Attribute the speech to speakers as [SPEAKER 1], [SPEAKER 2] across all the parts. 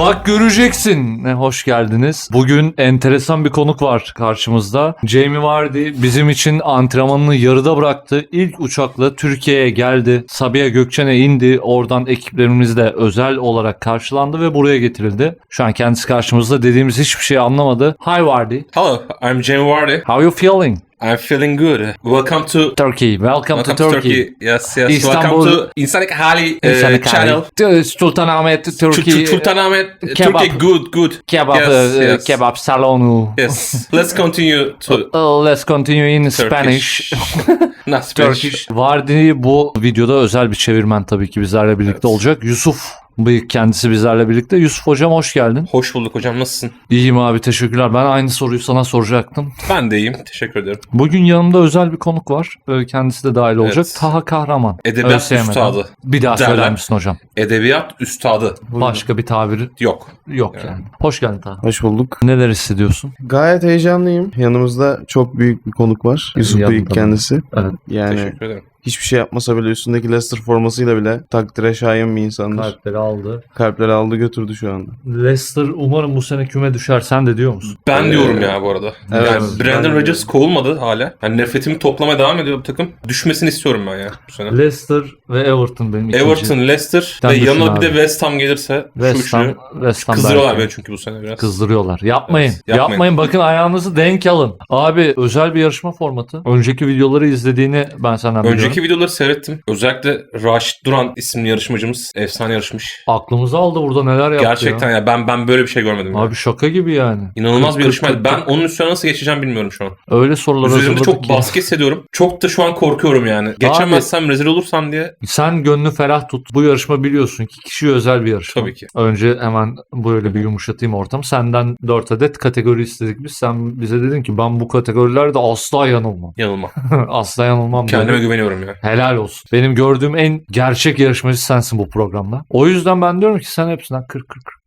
[SPEAKER 1] Bak göreceksin. Hoş geldiniz. Bugün enteresan bir konuk var karşımızda. Jamie Vardy bizim için antrenmanını yarıda bıraktı. İlk uçakla Türkiye'ye geldi. Sabiha Gökçen'e indi. Oradan ekiplerimizle özel olarak karşılandı ve buraya getirildi. Şu an kendisi karşımızda, dediğimiz hiçbir şey anlamadı. Hi Vardy.
[SPEAKER 2] Hello, I'm Jamie Vardy.
[SPEAKER 1] How you feeling?
[SPEAKER 2] I'm feeling good. Welcome to
[SPEAKER 1] Turkey. Welcome to Turkey.
[SPEAKER 2] Yes.
[SPEAKER 1] İstanbul.
[SPEAKER 2] Welcome to İnsanlık Hali
[SPEAKER 1] İnsanlık
[SPEAKER 2] channel.
[SPEAKER 1] Hali. Sultanahmet, Turkey.
[SPEAKER 2] Sultanahmet,
[SPEAKER 1] Kebap.
[SPEAKER 2] Turkey, good.
[SPEAKER 1] Kebap,
[SPEAKER 2] Yes.
[SPEAKER 1] kebap salonu.
[SPEAKER 2] Yes. Let's continue to
[SPEAKER 1] Let's continue in Spanish.
[SPEAKER 2] Not Spanish.
[SPEAKER 1] Turkish. Vardy bu videoda özel bir çevirmen tabii ki bizlerle birlikte olacak. Yusuf Bıyık kendisi bizlerle birlikte. Yusuf hocam hoş geldin.
[SPEAKER 2] Hoş bulduk hocam, nasılsın?
[SPEAKER 1] İyiyim abi, teşekkürler. Ben aynı soruyu sana soracaktım.
[SPEAKER 2] Ben de iyiyim, teşekkür ederim.
[SPEAKER 1] Bugün yanımda özel bir konuk var. Kendisi de dahil olacak.
[SPEAKER 2] Evet.
[SPEAKER 1] Taha Kahraman.
[SPEAKER 2] Edebiyat
[SPEAKER 1] ÖSYM'den.
[SPEAKER 2] üstadı.
[SPEAKER 1] Bir daha
[SPEAKER 2] derler.
[SPEAKER 1] söyler misin hocam?
[SPEAKER 2] Edebiyat üstadı.
[SPEAKER 1] Başka bir tabiri
[SPEAKER 2] Yok.
[SPEAKER 1] yok yani. Hoş geldin Taha.
[SPEAKER 3] Hoş bulduk.
[SPEAKER 1] Neler hissediyorsun?
[SPEAKER 3] Gayet heyecanlıyım. Yanımızda çok büyük bir konuk var. Yusuf
[SPEAKER 1] Yanımda
[SPEAKER 3] Bıyık
[SPEAKER 1] mı?
[SPEAKER 3] kendisi.
[SPEAKER 1] Evet.
[SPEAKER 3] Yani
[SPEAKER 2] Teşekkür ederim.
[SPEAKER 3] hiçbir şey yapmasa bile üstündeki Leicester formasıyla bile takdire şayan bir insandır.
[SPEAKER 1] Kalpleri aldı.
[SPEAKER 3] Kalpleri aldı götürdü şu anda.
[SPEAKER 1] Leicester umarım bu sene küme düşer. Sen de diyor musun?
[SPEAKER 2] Ben diyorum ya bu arada.
[SPEAKER 3] Evet.
[SPEAKER 2] Yani Brandon
[SPEAKER 3] Ben de
[SPEAKER 2] Rodgers kovulmadı hala. Yani nefretimi toplamaya devam ediyor bu takım. Düşmesini istiyorum ben ya bu sene.
[SPEAKER 1] Leicester ve Everton benim ikinci.
[SPEAKER 2] Everton, Leicester
[SPEAKER 1] Sen
[SPEAKER 2] ve
[SPEAKER 1] düşün
[SPEAKER 2] yanına
[SPEAKER 1] abi.
[SPEAKER 2] bir de West Ham gelirse
[SPEAKER 1] West Ham, West Ham
[SPEAKER 2] kızdırıyorlar
[SPEAKER 1] belki.
[SPEAKER 2] beni çünkü bu sene biraz.
[SPEAKER 1] Kızdırıyorlar. Yapmayın.
[SPEAKER 2] Evet, yapmayın.
[SPEAKER 1] Yapmayın. Bakın ayağınızı denk alın. Abi özel bir yarışma formatı. Önceki videoları izlediğini ben senden biliyorum.
[SPEAKER 2] Önceki videoları seyrettim. Özellikle Raşit Duran isimli yarışmacımız efsane yarışmış.
[SPEAKER 1] Aklımızı aldı burada, neler yaptı
[SPEAKER 2] Gerçekten
[SPEAKER 1] ya.
[SPEAKER 2] ya ben böyle bir şey görmedim.
[SPEAKER 1] Abi
[SPEAKER 2] Ya.
[SPEAKER 1] şaka gibi yani.
[SPEAKER 2] İnanılmaz bir
[SPEAKER 1] 40,
[SPEAKER 2] yarışmaydı.
[SPEAKER 1] 40,
[SPEAKER 2] Ben onun üstüne nasıl geçeceğim bilmiyorum şu an.
[SPEAKER 1] Öyle sorular
[SPEAKER 2] Üzerimde
[SPEAKER 1] hazırladık
[SPEAKER 2] çok
[SPEAKER 1] ki.
[SPEAKER 2] baskı hissediyorum. Çok da şu an korkuyorum yani. Geçemezsem rezil olursam diye.
[SPEAKER 1] Sen gönlü ferah tut. Bu yarışma biliyorsun ki kişiye özel bir yarışma.
[SPEAKER 2] Tabii ki.
[SPEAKER 1] Önce hemen böyle bir yumuşatayım ortamı. Senden 4 adet kategori istedik biz. Sen bize dedin ki ben bu kategorilerde asla yanılmam.
[SPEAKER 2] Yanılma.
[SPEAKER 1] Asla yanılmam.
[SPEAKER 2] Kendime
[SPEAKER 1] dedin.
[SPEAKER 2] güveniyorum ya.
[SPEAKER 1] Helal olsun. Benim gördüğüm en gerçek yarışmacı sensin bu programda. O yüzden ben diyorum ki sen hepsinden 40.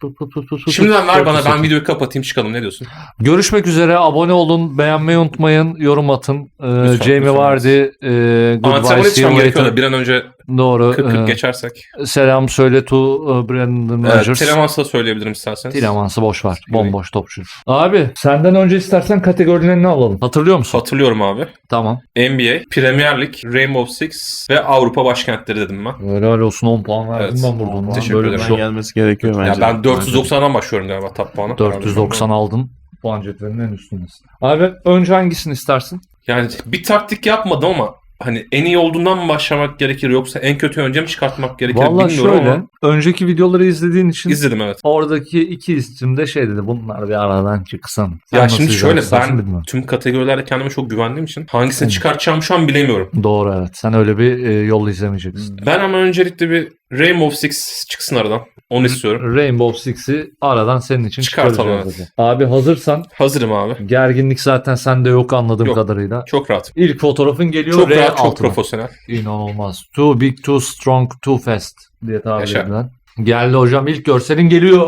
[SPEAKER 2] Şimdiden ver bana, ben
[SPEAKER 1] seçin.
[SPEAKER 2] videoyu kapatayım çıkalım, ne diyorsun?
[SPEAKER 1] Görüşmek üzere. Abone olun. Beğenmeyi unutmayın. Yorum atın. Jamie
[SPEAKER 2] lütfen.
[SPEAKER 1] Vardy.
[SPEAKER 2] Antrenman
[SPEAKER 1] Goodbye. See
[SPEAKER 2] yetişmem
[SPEAKER 1] you
[SPEAKER 2] gerekiyor da
[SPEAKER 1] later.
[SPEAKER 2] bir an önce
[SPEAKER 1] Doğru.
[SPEAKER 2] 40 geçersek.
[SPEAKER 1] Selam söyle to Brandon
[SPEAKER 2] Evet,
[SPEAKER 1] Rodgers.
[SPEAKER 2] Telemans'ı da söyleyebilirim isterseniz.
[SPEAKER 1] Tilemans'ı boş ver. Bomboş topçu. Abi senden önce istersen kategorilerini alalım. Hatırlıyor musun?
[SPEAKER 2] Hatırlıyorum abi.
[SPEAKER 1] Tamam.
[SPEAKER 2] NBA, Premier Lig, Rainbow Six ve Avrupa başkentleri dedim ben.
[SPEAKER 1] Helal olsun, 10 puan verdim
[SPEAKER 2] Evet.
[SPEAKER 1] ben burada.
[SPEAKER 2] Teşekkür
[SPEAKER 1] Böyle bir
[SPEAKER 2] ederim.
[SPEAKER 1] şey
[SPEAKER 3] Ben gelmesi gerekiyor bence.
[SPEAKER 2] Ya ben 490'dan başlıyorum galiba top puanı.
[SPEAKER 1] 490 aldın. Puan cetvelinin en üstündesin. Abi önce hangisini istersin?
[SPEAKER 2] Yani bir taktik yapmadım ama hani en iyi olduğundan mı başlamak gerekir yoksa en kötü önce mi çıkartmak gerekir
[SPEAKER 1] Vallahi
[SPEAKER 2] bilmiyorum
[SPEAKER 1] şöyle.
[SPEAKER 2] ama
[SPEAKER 1] Önceki videoları izlediğin için
[SPEAKER 2] izledim evet.
[SPEAKER 1] oradaki iki isim de şey dedi. Bunlar bir aradan çıksın. Sen
[SPEAKER 2] Ya
[SPEAKER 1] nasıl
[SPEAKER 2] şimdi şöyle
[SPEAKER 1] izlersin
[SPEAKER 2] ben
[SPEAKER 1] bilmiyorum.
[SPEAKER 2] tüm kategorilerde kendime çok güvendiğim için hangisini çıkartacağımı şu an bilemiyorum.
[SPEAKER 1] Doğru, evet. Sen öyle bir yol izlemeyeceksin.
[SPEAKER 2] Ben ama öncelikle bir Rainbow Six çıksın aradan. Onu istiyorum.
[SPEAKER 1] Rainbow Six'i aradan senin için
[SPEAKER 2] Çıkartalım,
[SPEAKER 1] çıkaracağız.
[SPEAKER 2] evet.
[SPEAKER 1] dedi. Abi hazırsan,
[SPEAKER 2] Hazırım abi.
[SPEAKER 1] gerginlik zaten sende yok anladığım
[SPEAKER 2] Yok.
[SPEAKER 1] kadarıyla.
[SPEAKER 2] Çok rahat.
[SPEAKER 1] İlk fotoğrafın geliyor.
[SPEAKER 2] Çok
[SPEAKER 1] R
[SPEAKER 2] rahat, çok
[SPEAKER 1] altına.
[SPEAKER 2] profesyonel.
[SPEAKER 1] İnanılmaz. Too big, too strong, too fast diye tabir
[SPEAKER 2] Yaşa.
[SPEAKER 1] edilen. Geldi hocam, ilk görselin geliyor.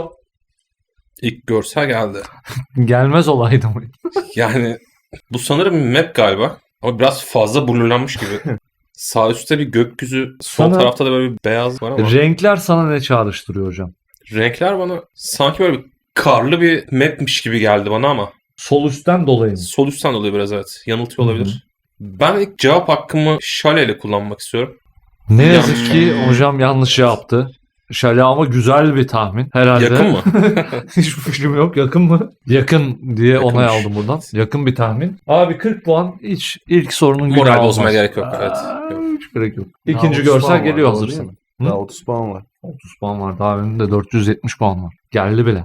[SPEAKER 2] İlk görsel geldi.
[SPEAKER 1] Gelmez olaydı mı?
[SPEAKER 2] Yani bu sanırım map galiba. Ama biraz fazla blurlanmış gibi. Sağ üstte bir gökyüzü, sol
[SPEAKER 1] Sana-
[SPEAKER 2] tarafta da böyle bir beyaz var ama
[SPEAKER 1] Renkler sana ne çağrıştırıyor hocam?
[SPEAKER 2] renkler bana sanki böyle bir karlı bir mapmiş gibi geldi bana ama
[SPEAKER 1] Sol üstten dolayı mı?
[SPEAKER 2] sol üstten dolayı biraz evet. Yanıltıyor
[SPEAKER 1] Hı hı.
[SPEAKER 2] olabilir. Ben ilk cevap hakkımı Şale ile kullanmak istiyorum.
[SPEAKER 1] Ne
[SPEAKER 2] Yanlış.
[SPEAKER 1] yazık ki hocam yanlış yaptı. Şale ama güzel bir tahmin. Herhalde.
[SPEAKER 2] Yakın mı?
[SPEAKER 1] Hiçbir fikrim yok. Yakın mı? Yakın diye
[SPEAKER 2] Yakınmış.
[SPEAKER 1] onay aldım buradan. Yakın bir tahmin. Abi 40 puan hiç ilk sorunun günahı
[SPEAKER 2] Moral
[SPEAKER 1] olmaz.
[SPEAKER 2] bozmaya gerek yok, evet. Yok.
[SPEAKER 1] Hiç gerek yok.
[SPEAKER 3] Daha
[SPEAKER 1] İkinci
[SPEAKER 3] 30
[SPEAKER 1] görsel
[SPEAKER 3] puan var,
[SPEAKER 1] geliyor,
[SPEAKER 3] doğru
[SPEAKER 1] hazırsın.
[SPEAKER 3] değil mi?
[SPEAKER 1] Hı?
[SPEAKER 3] Daha 30 puan var.
[SPEAKER 1] 30 puan var. Daha önünde 470 puan var. Geldi bile.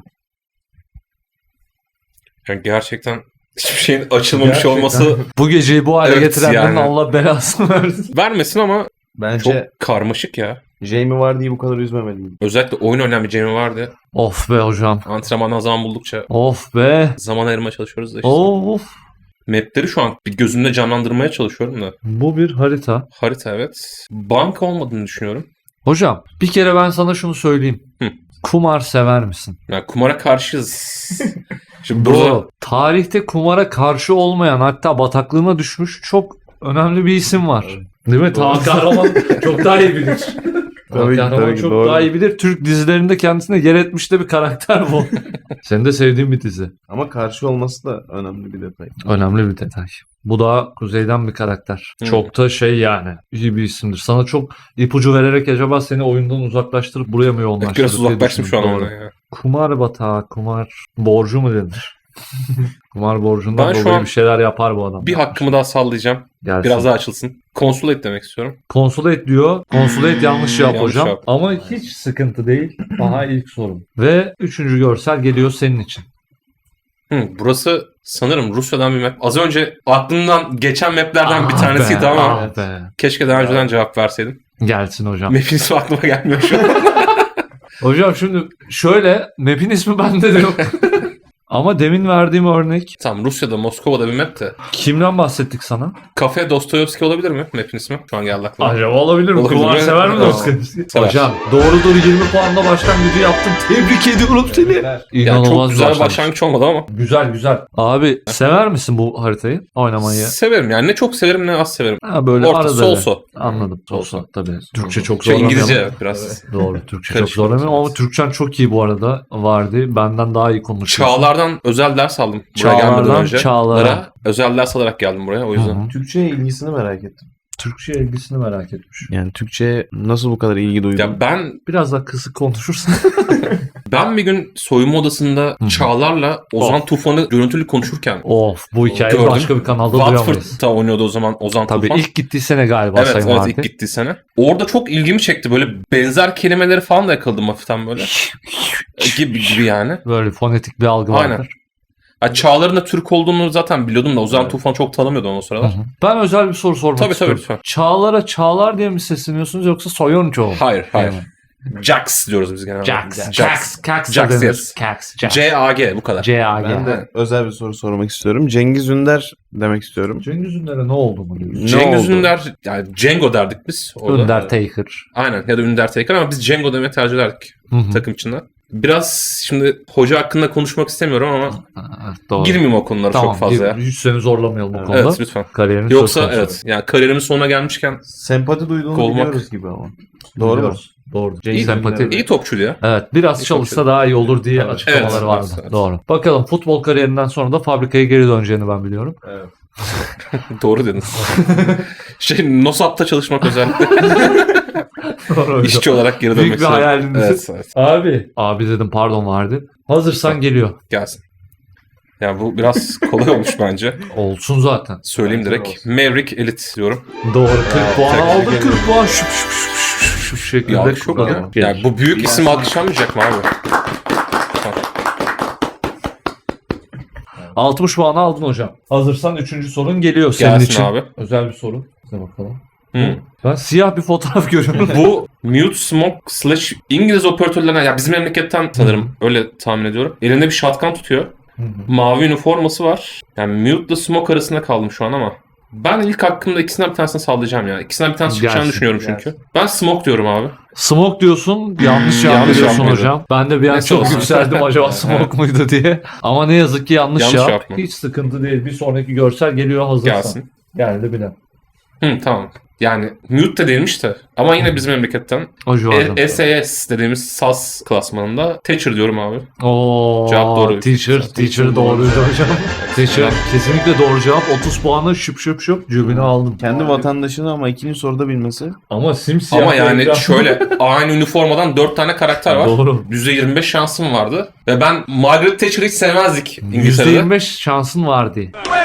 [SPEAKER 2] Yani gerçekten hiçbir şeyin açılmamış
[SPEAKER 1] Gerçekten.
[SPEAKER 2] olması
[SPEAKER 1] Bu geceyi bu hale
[SPEAKER 2] Evet,
[SPEAKER 1] getirenlerin
[SPEAKER 2] yani.
[SPEAKER 1] Allah belasını versin.
[SPEAKER 2] vermesin ama çok
[SPEAKER 3] Bence
[SPEAKER 2] karmaşık ya.
[SPEAKER 3] Jamie Vardy'yi bu kadar üzmemeliyim.
[SPEAKER 2] Özellikle oyun oynayan bir Jamie vardı.
[SPEAKER 1] Of be hocam.
[SPEAKER 2] Antrenmandan zaman buldukça
[SPEAKER 1] Of be.
[SPEAKER 2] zaman ayırmaya çalışıyoruz da işte.
[SPEAKER 1] Of.
[SPEAKER 2] Mapleri şu an bir gözümde canlandırmaya çalışıyorum da.
[SPEAKER 1] Bu bir harita.
[SPEAKER 2] Harita evet. Banka olmadığını düşünüyorum.
[SPEAKER 1] Hocam bir kere ben sana şunu söyleyeyim.
[SPEAKER 2] Hı.
[SPEAKER 1] Kumar sever misin?
[SPEAKER 2] Yani kumara karşıyız. Şimdi burada
[SPEAKER 1] Doğru. Tarihte kumara karşı olmayan, hatta bataklığına düşmüş çok önemli bir isim var. Değil mi? Taha Kahraman çok daha iyi bilir.
[SPEAKER 3] Tabii ki,
[SPEAKER 1] Kahraman
[SPEAKER 3] tabii ki,
[SPEAKER 1] çok
[SPEAKER 3] doğru.
[SPEAKER 1] daha iyi bilir. Türk dizilerinde kendisine yer etmiş de bir karakter bu. Senin de sevdiğin bir dizi.
[SPEAKER 3] Ama karşı olması da önemli bir detay.
[SPEAKER 1] Önemli bir detay. Bu da kuzeyden bir karakter.
[SPEAKER 2] Hı.
[SPEAKER 1] Çok da şey yani iyi bir isimdir. Sana çok ipucu vererek acaba seni oyundan uzaklaştırıp buraya mı yoğunlaştırır?
[SPEAKER 2] Biraz
[SPEAKER 1] diye
[SPEAKER 2] uzaklaştım şu an
[SPEAKER 1] düşündüm. Doğru.
[SPEAKER 2] ondan ya.
[SPEAKER 1] Kumar batağı, kumar borcu mu denir? Kumar borcundan
[SPEAKER 2] Ben şu
[SPEAKER 1] dolayı
[SPEAKER 2] an
[SPEAKER 1] bir şeyler yapar bu adam.
[SPEAKER 2] Bir hakkımı daha sallayacağım.
[SPEAKER 1] Gelsin.
[SPEAKER 2] Biraz daha açılsın. Consulate demek istiyorum.
[SPEAKER 1] Consulate diyor. Consulate yanlış cevap
[SPEAKER 2] Yanlış
[SPEAKER 1] hocam.
[SPEAKER 2] cevap.
[SPEAKER 1] Ama hiç sıkıntı değil. Aha ilk sorum. Ve 3. görsel geliyor senin için.
[SPEAKER 2] Burası sanırım Rusya'dan bir map. Az önce aklımdan geçen maplerden bir tanesiydi ama
[SPEAKER 1] Ah be.
[SPEAKER 2] keşke daha önceden cevap verseydim.
[SPEAKER 1] Gelsin hocam.
[SPEAKER 2] Map'in ismi aklıma gelmiyor şu an.
[SPEAKER 1] Hocam şimdi şöyle map'in ismi bende de yok. Ama demin verdiğim örnek
[SPEAKER 2] Tamam, Rusya'da, Moskova'da bir map de.
[SPEAKER 1] kimden bahsettik sana?
[SPEAKER 2] Kafe Dostoyevski olabilir mi map'in ismi? Şu an geldi aklıma.
[SPEAKER 1] Acaba olabilir mi?
[SPEAKER 2] Olabilir
[SPEAKER 1] Kumar
[SPEAKER 2] mi?
[SPEAKER 1] sever mi
[SPEAKER 2] Tamam.
[SPEAKER 1] Dostoyevski?
[SPEAKER 2] Sever.
[SPEAKER 1] Hocam doğrudur 20 puanla başlangıcı yaptın. Tebrik ediyorum seni.
[SPEAKER 2] Yani
[SPEAKER 1] İnanılmaz
[SPEAKER 2] çok güzel bir
[SPEAKER 1] başlangıç.
[SPEAKER 2] başlangıç olmadı ama.
[SPEAKER 1] Güzel. Abi sever misin bu haritayı oynamayı?
[SPEAKER 2] Severim yani. Ne çok severim ne az severim.
[SPEAKER 1] Ha böyle
[SPEAKER 2] Orta,
[SPEAKER 1] arada.
[SPEAKER 2] so-so.
[SPEAKER 1] Anladım.
[SPEAKER 2] So-so.
[SPEAKER 1] So tabii. Türkçe çok
[SPEAKER 2] Şey
[SPEAKER 1] zorlamayalım.
[SPEAKER 2] İngilizce biraz.
[SPEAKER 1] Doğru. Türkçe çok
[SPEAKER 2] Karışık
[SPEAKER 1] zorlamayalım ama
[SPEAKER 2] biraz.
[SPEAKER 1] Türkçen çok iyi bu arada. Vardı. Benden daha iyi konuşuyorsun.
[SPEAKER 2] Çağlar'dan özel ders aldım. Buraya gelmeden
[SPEAKER 1] Çağlar'dan
[SPEAKER 2] önce.
[SPEAKER 1] Çağlar'a.
[SPEAKER 2] Özel ders alarak geldim buraya o yüzden.
[SPEAKER 1] Hı hı.
[SPEAKER 3] Türkçe'ye ilgisini merak ettim.
[SPEAKER 1] Türkçe ilgisini merak etmiş.
[SPEAKER 3] Yani Türkçe'ye nasıl bu kadar ilgi duydun?
[SPEAKER 2] Ya
[SPEAKER 1] Biraz daha kısık konuşursan.
[SPEAKER 2] ben bir gün soyunma odasında
[SPEAKER 1] Hı.
[SPEAKER 2] Çağlar'la Ozan Tufan'ı görüntülü konuşurken
[SPEAKER 1] Of bu hikayeyi
[SPEAKER 2] gördüm.
[SPEAKER 1] başka bir kanalda duyamayız.
[SPEAKER 2] Watford'da oynuyordu o zaman Ozan
[SPEAKER 1] Tabii
[SPEAKER 2] Tufan.
[SPEAKER 1] ilk gittiği sene galiba
[SPEAKER 2] Evet,
[SPEAKER 1] Sayın
[SPEAKER 2] evet
[SPEAKER 1] Fatih.
[SPEAKER 2] ilk gittiği sene. Orada çok ilgimi çekti. Böyle benzer kelimeleri falan da yakaladım hafiften böyle. gibi yani.
[SPEAKER 1] Böyle fonetik bir algı
[SPEAKER 2] Aynen.
[SPEAKER 1] vardır.
[SPEAKER 2] Ha, Çağlar'ın da Türk olduğunu zaten biliyordum da Ozan
[SPEAKER 3] Evet.
[SPEAKER 2] Tufan çok tanımıyordum o
[SPEAKER 1] Hı
[SPEAKER 2] sıralar.
[SPEAKER 1] hı. Ben özel bir soru sormak
[SPEAKER 2] Tabii,
[SPEAKER 1] istiyorum.
[SPEAKER 2] lütfen.
[SPEAKER 1] Çağlar'a Çağlar diye mi sesleniyorsunuz yoksa Soyuncu mu?
[SPEAKER 2] Hayır.
[SPEAKER 1] Yani.
[SPEAKER 2] Jax diyoruz biz genelde.
[SPEAKER 1] Jax.
[SPEAKER 2] Jax.
[SPEAKER 1] Jax.
[SPEAKER 2] Jax,
[SPEAKER 1] denir.
[SPEAKER 2] yes.
[SPEAKER 1] Jax.
[SPEAKER 2] C-A-G bu kadar.
[SPEAKER 1] C-A-G.
[SPEAKER 3] Ben de özel bir soru sormak istiyorum. Cengiz Ünder demek istiyorum.
[SPEAKER 1] Cengiz Ünder'e ne oldu mu diyorsun?
[SPEAKER 3] Ne
[SPEAKER 2] Cengiz
[SPEAKER 3] oldu?
[SPEAKER 2] Ünder, yani Cengo derdik biz orada.
[SPEAKER 1] Undertaker.
[SPEAKER 2] Aynen, ya da Undertaker ama biz Cengo demeye tercih ederdik
[SPEAKER 1] Hı hı.
[SPEAKER 2] takım içinde. Biraz şimdi hoca hakkında konuşmak istemiyorum ama
[SPEAKER 1] Ha, doğru.
[SPEAKER 2] girmeyeyim o konulara çok fazla ya.
[SPEAKER 1] Hiç seni zorlamayalım o
[SPEAKER 3] Evet.
[SPEAKER 1] konuda.
[SPEAKER 2] Evet lütfen.
[SPEAKER 1] Kariyerin
[SPEAKER 2] Yoksa
[SPEAKER 1] söz konusu.
[SPEAKER 2] evet yani kariyerimin sonuna gelmişken
[SPEAKER 3] Sempati duyduğunu
[SPEAKER 2] Kovmak.
[SPEAKER 3] biliyoruz gibi ama. Doğru mu?
[SPEAKER 1] Biliyoruz. Doğru.
[SPEAKER 3] Cengiz
[SPEAKER 1] Sempati.
[SPEAKER 3] Ünder'e.
[SPEAKER 2] iyi topçuydu ya.
[SPEAKER 1] Evet biraz
[SPEAKER 2] İyi
[SPEAKER 1] çalışsa
[SPEAKER 2] topçu.
[SPEAKER 1] daha iyi olur diye
[SPEAKER 3] Evet.
[SPEAKER 1] açıklamaları
[SPEAKER 2] Evet,
[SPEAKER 1] vardı.
[SPEAKER 2] evet.
[SPEAKER 1] Doğru. Bakalım futbol kariyerinden sonra da fabrikaya geri döneceğini ben biliyorum.
[SPEAKER 3] Evet.
[SPEAKER 2] Doğru dediniz. Nosat'ta çalışmak özellikle.
[SPEAKER 1] Doğru.
[SPEAKER 2] İşçi olarak geri
[SPEAKER 1] Büyük
[SPEAKER 2] dönmek
[SPEAKER 1] bir
[SPEAKER 2] istiyorum.
[SPEAKER 1] hayaliniz.
[SPEAKER 2] Evet, evet.
[SPEAKER 1] Abi dedim pardon vardı. Hazırsan geliyor.
[SPEAKER 2] Gelsin. Ya bu biraz kolay olmuş bence.
[SPEAKER 1] Olsun zaten.
[SPEAKER 2] Söyleyeyim
[SPEAKER 3] Bence
[SPEAKER 2] direkt.
[SPEAKER 3] olsun.
[SPEAKER 2] Maverick Elite diyorum.
[SPEAKER 1] Doğru 40 puan
[SPEAKER 3] tebrik
[SPEAKER 1] aldı
[SPEAKER 3] ederim.
[SPEAKER 1] 40 puan şu şekilde.
[SPEAKER 2] Ya çok ya.
[SPEAKER 1] kullanalım.
[SPEAKER 2] Yani bu büyük isim alkışlanmayacak mı abi?
[SPEAKER 1] 60 puan aldın hocam. Hazırsan 3. sorun geliyor senin
[SPEAKER 2] Gelsin
[SPEAKER 1] için.
[SPEAKER 2] abi.
[SPEAKER 1] Özel bir soru. Size bakalım.
[SPEAKER 2] Hı.
[SPEAKER 1] Ben siyah bir fotoğraf görüyorum.
[SPEAKER 2] Bu Mute Smoke slash İngiliz operatörlerine ya bizim memleketten sanırım öyle tahmin ediyorum. Elinde bir shotgun tutuyor. Mavi üniforması var. Yani Mute ile Smoke arasında kaldım şu an ama. Ben ilk hakkımda ikisinden bir tanesini sallayacağım ya. İkisinden bir tanesi çıkacağını
[SPEAKER 1] Gelsin,
[SPEAKER 2] düşünüyorum çünkü. Ben Smoke diyorum abi.
[SPEAKER 1] Smoke diyorsun. Yanlış cevap
[SPEAKER 2] Yanlış
[SPEAKER 1] veriyorsun
[SPEAKER 2] cevap mıydı?
[SPEAKER 1] hocam. Ben de bir an
[SPEAKER 2] Neyse
[SPEAKER 1] çok
[SPEAKER 2] olsun.
[SPEAKER 1] yükseldim acaba Smoke muydu diye. Ama ne yazık ki yanlış
[SPEAKER 2] Yanlış
[SPEAKER 1] cevap.
[SPEAKER 2] cevap mı?
[SPEAKER 1] Hiç sıkıntı değil. Bir sonraki görsel geliyor hazırsan.
[SPEAKER 2] Gelsin.
[SPEAKER 1] Geldi bile.
[SPEAKER 2] Tamam. Yani Mute de değilmiş de. Ama yine bizim memleketten.
[SPEAKER 1] O civarda.
[SPEAKER 2] SAS dediğimiz SAS klasmanında Thatcher diyorum abi.
[SPEAKER 1] Oo,
[SPEAKER 2] Cevap doğru.
[SPEAKER 1] Teacher doğruydu hocam. Teacher kesinlikle doğru cevap. 30 puanı şıp cebine aldım.
[SPEAKER 3] Kendi vatandaşını ama ikinci soruda bilmesi.
[SPEAKER 1] Ama simsiyah.
[SPEAKER 2] Ama yani
[SPEAKER 1] telgraf.
[SPEAKER 2] şöyle aynı üniformadan 4 tane karakter var.
[SPEAKER 1] Doğru.
[SPEAKER 2] %25 şansım vardı. Ve ben Margaret Thatcher'ı hiç sevmezdik İngiltere'de.
[SPEAKER 1] %25 şansın vardı.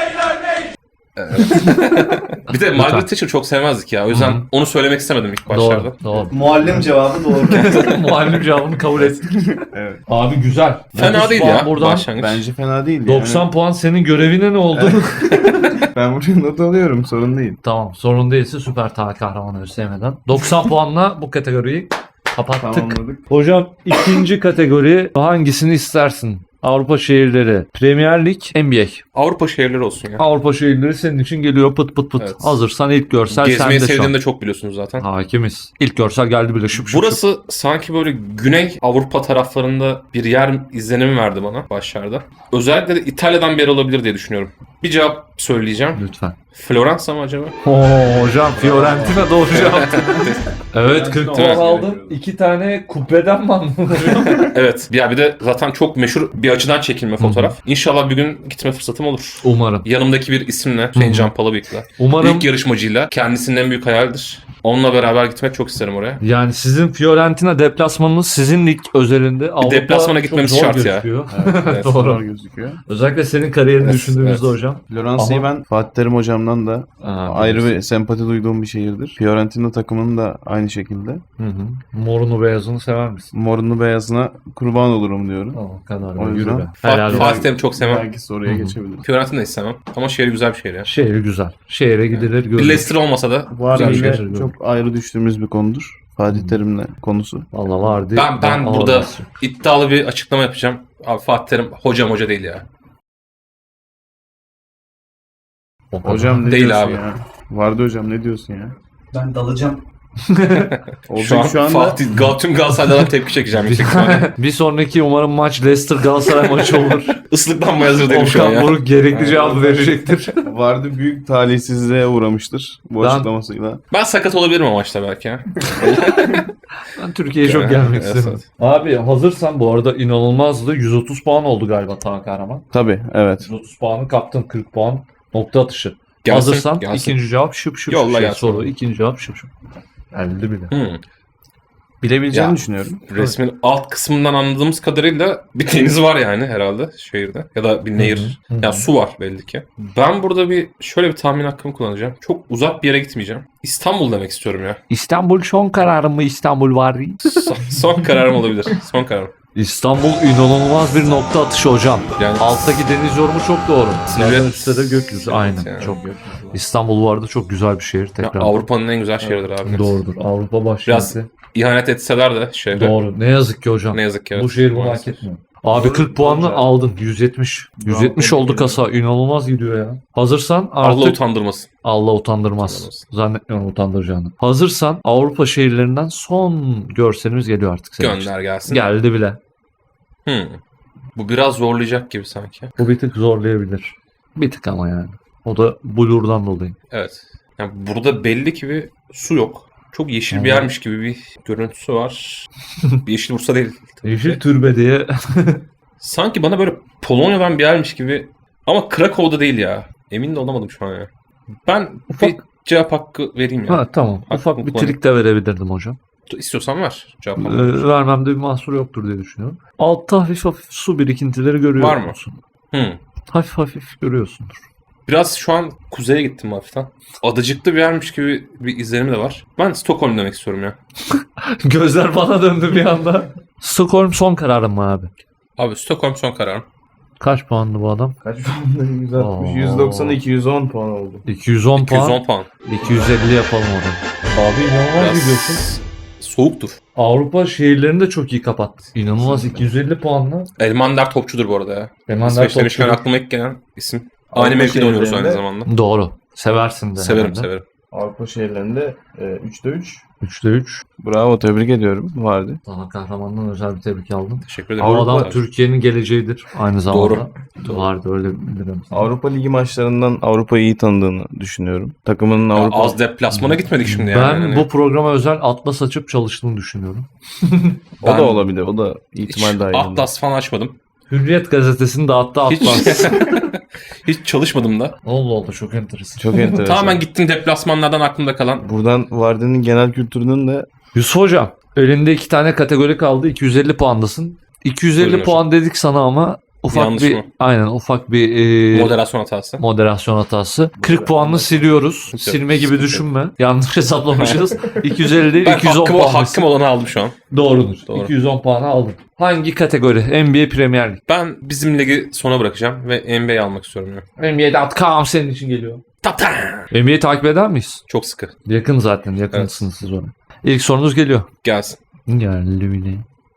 [SPEAKER 2] Bir de Margaret Thatcher çok sevmezdik ya. O yüzden onu söylemek istemedim ilk başlarda.
[SPEAKER 1] Doğru.
[SPEAKER 4] Muallim cevabı doğru.
[SPEAKER 1] Muallim cevabını kabul ettik.
[SPEAKER 3] Evet.
[SPEAKER 1] Abi güzel.
[SPEAKER 2] Fena
[SPEAKER 1] 30
[SPEAKER 2] değil
[SPEAKER 1] puan
[SPEAKER 2] ya
[SPEAKER 1] Buradan
[SPEAKER 2] başlangıç.
[SPEAKER 3] Bence fena değil.
[SPEAKER 1] 90 puan senin görevine ne oldu?
[SPEAKER 3] Ben buraya not alıyorum, sorun değil.
[SPEAKER 1] Tamam sorun değilse süper kahramanı sevmeden. 90 puanla bu kategoriyi kapattık.
[SPEAKER 3] Tamamladık.
[SPEAKER 1] Hocam ikinci kategori hangisini istersin? Avrupa şehirleri, Premier Lig, NBA.
[SPEAKER 2] Avrupa şehirleri olsun ya.
[SPEAKER 1] Avrupa şehirleri senin için geliyor pıt pıt pıt.
[SPEAKER 2] Evet.
[SPEAKER 1] Hazırsan ilk görsel
[SPEAKER 2] Gezmeyi
[SPEAKER 1] sende şu an.
[SPEAKER 2] sevdiğimi de çok biliyorsunuz zaten.
[SPEAKER 1] Hakimiz. İlk görsel geldi bile şıp.
[SPEAKER 2] Burası sanki böyle Güney Avrupa taraflarında bir yer izlenimi verdi bana başlarda. Özellikle de İtalya'dan bir yer olabilir diye düşünüyorum. Bir cevap söyleyeceğim.
[SPEAKER 1] Lütfen.
[SPEAKER 2] Floransa mı acaba?
[SPEAKER 1] Hocam Fiorentina doğru cevap. Evet 40 puan
[SPEAKER 2] Evet.
[SPEAKER 1] aldın. 2 tane kubbeden mi aldın hocam?
[SPEAKER 2] Evet. Ya bir de zaten çok meşhur bir açıdan çekilme fotoğraf. İnşallah bir gün gitme fırsatım olur.
[SPEAKER 1] Umarım.
[SPEAKER 2] Yanımdaki bir isimle, Hüseyin Can Palabıyık'la.
[SPEAKER 1] Umarım
[SPEAKER 2] İlk yarışmacıyla. Kendisinin en büyük hayalidir. Onunla beraber gitmek çok isterim oraya.
[SPEAKER 1] yani sizin Fiorentina deplasmanınız sizin lig özelinde Avrupa
[SPEAKER 2] deplasmana
[SPEAKER 1] çok
[SPEAKER 2] gitmemiz
[SPEAKER 1] zor
[SPEAKER 2] şart ya.
[SPEAKER 1] gözüküyor.
[SPEAKER 2] Evet.
[SPEAKER 1] Doğru.
[SPEAKER 3] Zor gözüküyor.
[SPEAKER 1] Özellikle senin kariyerini
[SPEAKER 2] Evet,
[SPEAKER 1] düşündüğümüzde
[SPEAKER 2] evet.
[SPEAKER 1] hocam.
[SPEAKER 3] Floransa'yı
[SPEAKER 1] Ama-
[SPEAKER 3] ben Fatih Terim hocamdan da ayrı bir sempati duyduğum bir şehirdir. Fiorentina takımının da aynı şekilde.
[SPEAKER 1] Hı hı. Morunu beyazını sever misin?
[SPEAKER 3] Morunu beyazına kurban olurum diyorum.
[SPEAKER 1] O kadar.
[SPEAKER 3] O
[SPEAKER 1] Yürü
[SPEAKER 3] yüzden-
[SPEAKER 1] be. Helal olsun.
[SPEAKER 2] Fatih Terim'i çok sevmem.
[SPEAKER 3] Belki soruya
[SPEAKER 1] Hı hı.
[SPEAKER 3] geçebilirim.
[SPEAKER 2] Fiorentina'yı istemem. Ama şehri güzel bir şehir ya.
[SPEAKER 1] Şehir güzel. Şehre gidilir
[SPEAKER 2] Bir
[SPEAKER 1] görülür.
[SPEAKER 2] Leicester olmasa da
[SPEAKER 3] Var
[SPEAKER 1] Güzel
[SPEAKER 3] yine
[SPEAKER 1] şehir,
[SPEAKER 3] çok ayrı düştüğümüz bir konudur. Fatih Terim'le konusu.
[SPEAKER 1] Valla vardı.
[SPEAKER 2] Ben burada iddialı bir açıklama yapacağım. Abi Fatih Terim hoca değil ya.
[SPEAKER 3] Hocam ne
[SPEAKER 2] Değil
[SPEAKER 3] diyorsun
[SPEAKER 2] abi.
[SPEAKER 3] ya? Vardı hocam ne diyorsun ya?
[SPEAKER 4] Ben dalacağım.
[SPEAKER 3] Olacak şu anda
[SPEAKER 2] Fatih tüm Galatasaray'dan tepki çekeceğim yüksek ihtimalle.
[SPEAKER 1] bir sonraki umarım maç Leicester Galatasaray maçı olur.
[SPEAKER 2] Islıklanmaya hazır değilim şu an
[SPEAKER 1] Okan
[SPEAKER 2] ya.
[SPEAKER 1] Buruk gerekli cevabı verecektir.
[SPEAKER 3] vardı büyük talihsizliğe uğramıştır bu
[SPEAKER 1] Ben-
[SPEAKER 3] açıklamasıyla.
[SPEAKER 2] Ben sakat olabilirim o maçta belki ya.
[SPEAKER 1] Ben Türkiye'ye çok gelmek
[SPEAKER 2] Evet,
[SPEAKER 1] istedim. Abi hazırsan bu arada inanılmazdı. 130 puan oldu galiba Tan Kahraman.
[SPEAKER 3] Tabii evet.
[SPEAKER 1] 130 puanı kaptın, 40 puan nokta atışı.
[SPEAKER 2] Gelsin,
[SPEAKER 1] Hazırsan
[SPEAKER 2] gelsin.
[SPEAKER 1] ikinci cevap şıp şıp
[SPEAKER 2] Yolla
[SPEAKER 1] şıp
[SPEAKER 2] gelsin.
[SPEAKER 1] soru. İkinci cevap şıp şıp. Geldi bile.
[SPEAKER 3] Bilebileceğini
[SPEAKER 2] Ya.
[SPEAKER 3] düşünüyorum.
[SPEAKER 2] Resmin alt kısmından anladığımız kadarıyla bir deniz var yani herhalde şehirde. Ya da bir nehir.
[SPEAKER 1] Hı hı.
[SPEAKER 2] Ya su var belli ki. Ben burada şöyle bir tahmin hakkımı kullanacağım. Çok uzak bir yere gitmeyeceğim. İstanbul demek istiyorum ya.
[SPEAKER 1] İstanbul son kararım mı İstanbul var?
[SPEAKER 2] Son kararım olabilir. Son kararım.
[SPEAKER 1] İstanbul inanılmaz bir nokta atışı hocam.
[SPEAKER 2] Yani
[SPEAKER 1] Alttaki deniz yorumu çok doğru.
[SPEAKER 2] Silüet-
[SPEAKER 1] Zaten üstte de gökyüzü. Aynen.
[SPEAKER 2] yani.
[SPEAKER 1] Çok. İstanbul bu arada çok güzel bir şehir.
[SPEAKER 2] ya
[SPEAKER 1] Tekrar.
[SPEAKER 2] Avrupa'nın en güzel şehridir abi.
[SPEAKER 1] Doğrudur. Avrupa başkenti.
[SPEAKER 2] İhanet etseler de şehre.
[SPEAKER 1] Doğru. Ne yazık ki hocam.
[SPEAKER 2] Ne yazık ki.
[SPEAKER 1] Bu
[SPEAKER 2] evet.
[SPEAKER 1] şehir bunu hak
[SPEAKER 2] Maalesef.
[SPEAKER 1] etmiyor. Abi 40 puanla aldın. 170. 170 oldu kasa. İnanılmaz gidiyor ya. Hazırsan
[SPEAKER 2] Allah
[SPEAKER 1] artık
[SPEAKER 2] utandırmasın.
[SPEAKER 1] Allah utandırmaz.
[SPEAKER 2] Utandırmaz.
[SPEAKER 1] Zannetmiyorum utandıracağını. Hazırsan Avrupa şehirlerinden son görselimiz geliyor artık senin için.
[SPEAKER 2] Gönder gelsin.
[SPEAKER 1] Geldi bile.
[SPEAKER 2] Bu biraz zorlayacak gibi sanki.
[SPEAKER 1] Bu bir tık zorlayabilir. Bir tık ama yani. O da blur'dan dolayı.
[SPEAKER 2] Evet. Yani burada belli ki bir su yok. Çok yeşil bir yermiş gibi bir görüntüsü var. Bir yeşil Bursa değil. tabii
[SPEAKER 1] Yeşil
[SPEAKER 2] ki.
[SPEAKER 1] türbe diye.
[SPEAKER 2] Sanki bana böyle Polonya'dan bir yermiş gibi. Ama Krakow'da değil ya. Emin de olamadım şu an ya. Ben
[SPEAKER 1] Ufak-
[SPEAKER 2] bir cevap hakkı vereyim ya.
[SPEAKER 1] Ha tamam. Ufak bir
[SPEAKER 2] kullanayım.
[SPEAKER 1] trik de verebilirdim hocam.
[SPEAKER 2] İstiyorsan ver. Cevap hakkı.
[SPEAKER 1] Vermemde bir mahsur yoktur diye düşünüyorum. Altta hafif hafif su birikintileri görüyor
[SPEAKER 2] Var mı?
[SPEAKER 1] musun?
[SPEAKER 2] Hı.
[SPEAKER 1] Hafif hafif görüyorsundur.
[SPEAKER 2] Biraz şu an kuzeye gittim hafiften. Adacıklı bir yermiş gibi bir izlenimi de var. Ben Stockholm demek istiyorum ya.
[SPEAKER 1] Gözler bana döndü bir anda. Stockholm son kararım mı abi?
[SPEAKER 2] Abi Stockholm son kararım.
[SPEAKER 1] Kaç puanlı bu adam?
[SPEAKER 3] Kaç puan? 160,
[SPEAKER 1] Oo.
[SPEAKER 3] 190, 210 puan oldu.
[SPEAKER 1] 210 puan.
[SPEAKER 2] 210 puan.
[SPEAKER 1] 250 yapalım orada. Abi inanılmaz
[SPEAKER 2] Biraz
[SPEAKER 1] gidiyorsun.
[SPEAKER 2] soğuktur.
[SPEAKER 1] Avrupa şehirlerini de çok iyi kapattı. İnanılmaz 250 puanla.
[SPEAKER 2] Elmander topçudur bu arada ya.
[SPEAKER 1] Emander
[SPEAKER 2] İsveç demişken
[SPEAKER 1] topçu.
[SPEAKER 2] aklıma ilk gelen isim.
[SPEAKER 3] Avrupa
[SPEAKER 2] Aynı mevkide oynuyoruz aynı
[SPEAKER 3] şehirlerinde-
[SPEAKER 2] zamanda.
[SPEAKER 1] Doğru. Seversin de.
[SPEAKER 2] Severim
[SPEAKER 1] herhalde.
[SPEAKER 2] severim.
[SPEAKER 3] Avrupa şehirlerinde 3'te 3.
[SPEAKER 1] 3'te 3.
[SPEAKER 3] Bravo tebrik ediyorum. Vardı.
[SPEAKER 1] Sana kahramandan özel bir tebrik aldım.
[SPEAKER 2] Teşekkür ederim.
[SPEAKER 1] Bu
[SPEAKER 3] Avrupa-
[SPEAKER 1] adam Türkiye'nin geleceğidir aynı zamanda.
[SPEAKER 2] Doğru.
[SPEAKER 1] Vardı öyle bilirim.
[SPEAKER 3] Avrupa Ligi maçlarından Avrupa'yı iyi tanıdığını düşünüyorum. Takımının
[SPEAKER 2] Ya
[SPEAKER 3] Avrupa...
[SPEAKER 2] az deplasmana gitmedik şimdi yani.
[SPEAKER 1] Ben
[SPEAKER 2] Hani
[SPEAKER 1] bu programa özel atlas açıp çalıştığını düşünüyorum.
[SPEAKER 3] O
[SPEAKER 2] Ben-
[SPEAKER 3] da olabilir. O da
[SPEAKER 2] hiç
[SPEAKER 3] ihtimal dahilinde.
[SPEAKER 2] Atlas falan açmadım.
[SPEAKER 1] Hürriyet gazetesini dağıttı
[SPEAKER 2] Hiç,
[SPEAKER 1] atlas.
[SPEAKER 2] hiç çalışmadım da.
[SPEAKER 1] Allah Allah çok enteresan.
[SPEAKER 3] Çok enteresan.
[SPEAKER 2] Tamamen gittim deplasmanlardan aklımda kalan.
[SPEAKER 3] Buradan Vardy'nin genel kültürünün de
[SPEAKER 1] Yusuf hocam elinde 2 tane kategori kaldı. 250 puandasın. 250
[SPEAKER 2] Buyurun
[SPEAKER 1] puan dedik sana ama ufak
[SPEAKER 2] Yanlış
[SPEAKER 1] bir
[SPEAKER 2] mı?
[SPEAKER 1] aynen ufak bir
[SPEAKER 2] Moderasyon hatası.
[SPEAKER 1] moderasyon hatası. 40 puanını siliyoruz. Silme gibi
[SPEAKER 2] Sıkıntı
[SPEAKER 1] düşünme. Yanlış hesaplamışız. 250 değil
[SPEAKER 2] Ben
[SPEAKER 1] 210 puan.
[SPEAKER 2] hakkım olanı aldım şu an.
[SPEAKER 1] Doğrudur.
[SPEAKER 2] Doğru.
[SPEAKER 1] 210 puanı aldın. Hangi kategori? NBA Premier Lig.
[SPEAKER 2] Ben bizim ligi sona bırakacağım ve NBA almak istiyorum ya.
[SPEAKER 1] NBA.com senin için geliyor.
[SPEAKER 2] Tata!
[SPEAKER 1] NBA'yi takip eder miyiz?
[SPEAKER 2] Çok sıkı.
[SPEAKER 1] Yakın zaten. Yakınsınız siz ona. İlk sorunuz geliyor.
[SPEAKER 2] Gelsin.
[SPEAKER 1] Geldi bile.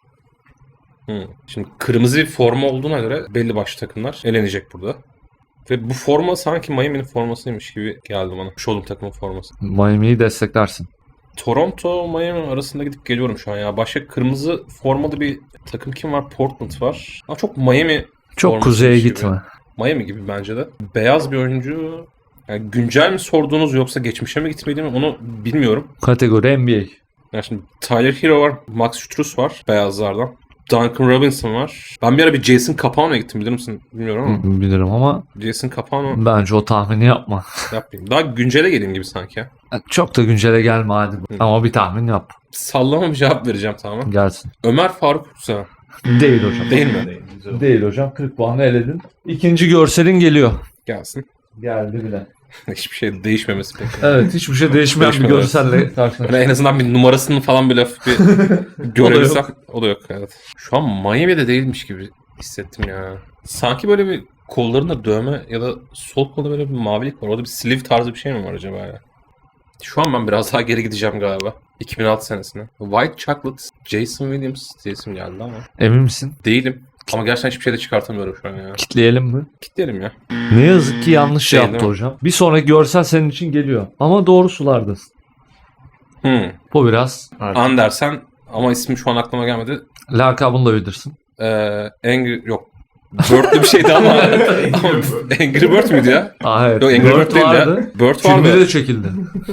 [SPEAKER 2] Şimdi kırmızı bir forma olduğuna göre belli başlı takımlar elenecek burada. Ve bu forma sanki Miami'nin formasıymış gibi geldi bana. Şu olduğum takımın forması.
[SPEAKER 1] Miami'yi desteklersin.
[SPEAKER 2] Toronto, Miami arasında gidip geliyorum şu an ya. Başka kırmızı formalı bir takım kim var? Portland var. Ama çok Miami
[SPEAKER 1] Çok
[SPEAKER 2] forması
[SPEAKER 1] kuzeye
[SPEAKER 2] gibi.
[SPEAKER 1] gitme.
[SPEAKER 2] Miami gibi bence de. Beyaz bir oyuncu. Yani güncel mi sordunuz yoksa geçmişe mi gitmeli mi onu bilmiyorum.
[SPEAKER 1] Kategori NBA.
[SPEAKER 2] Yani şimdi Tyler Hero var, Max Strus var beyazlardan. Duncan Robinson var. Ben bir ara bir Jason Capano'ya gittim bilir misin? Bilmiyorum ama.
[SPEAKER 1] Bilirim ama
[SPEAKER 2] Jason Capano
[SPEAKER 1] bence o tahmini yapma.
[SPEAKER 2] yapmayayım. Daha güncele geleyim gibi sanki ya.
[SPEAKER 1] Çok da güncele gelme hadi. Ama bir tahmin yap.
[SPEAKER 2] Sallama bir cevap vereceğim tamamen.
[SPEAKER 1] Gelsin.
[SPEAKER 2] Ömer Faruk Seven.
[SPEAKER 1] Değil hocam.
[SPEAKER 2] Değil mi?
[SPEAKER 1] Değil hocam. 40 puanı eledin. İkinci görselin geliyor.
[SPEAKER 2] Gelsin.
[SPEAKER 1] Geldi bile.
[SPEAKER 2] Hiçbir şey değişmemesi pek.
[SPEAKER 1] Evet, hiçbir şey değişmeyen bir
[SPEAKER 2] Değişmedi,
[SPEAKER 1] görselle
[SPEAKER 2] Yani
[SPEAKER 1] karşılaştık.
[SPEAKER 2] en azından bir numarasını falan bile bir görebilsem. O da yok. Evet. Şu an Miami'de değilmiş gibi hissettim ya. Sanki böyle bir kollarında dövme ya da sol kolda böyle bir mavilik var. Orada bir sleeve tarzı bir şey mi var acaba ya? Şu an ben biraz daha geri gideceğim galiba. 2006 senesine. White Chocolate, Jason Williams diye isim geldi ama.
[SPEAKER 1] Emin misin?
[SPEAKER 2] Değilim. Ama gerçekten hiçbir şey de çıkartamıyorum şu an ya.
[SPEAKER 1] Kitleyelim mi?
[SPEAKER 2] Kitlerim ya.
[SPEAKER 1] Ne yazık ki yanlış
[SPEAKER 2] Değil,
[SPEAKER 1] yaptı
[SPEAKER 2] değil mi?
[SPEAKER 1] hocam. Bir sonraki görsel senin için geliyor. Ama doğru sulardasın. Bu biraz
[SPEAKER 2] Andersen ama ismi şu an aklıma gelmedi.
[SPEAKER 1] lakabını da bilirsin.
[SPEAKER 2] Angry yok. Bird'lü bir şeydi ama, ama Angry Bird müydü ya?
[SPEAKER 1] Evet.
[SPEAKER 2] Yok Angry Bird değil ya. Bird
[SPEAKER 1] Filmi
[SPEAKER 2] vardı.
[SPEAKER 1] de çekildi.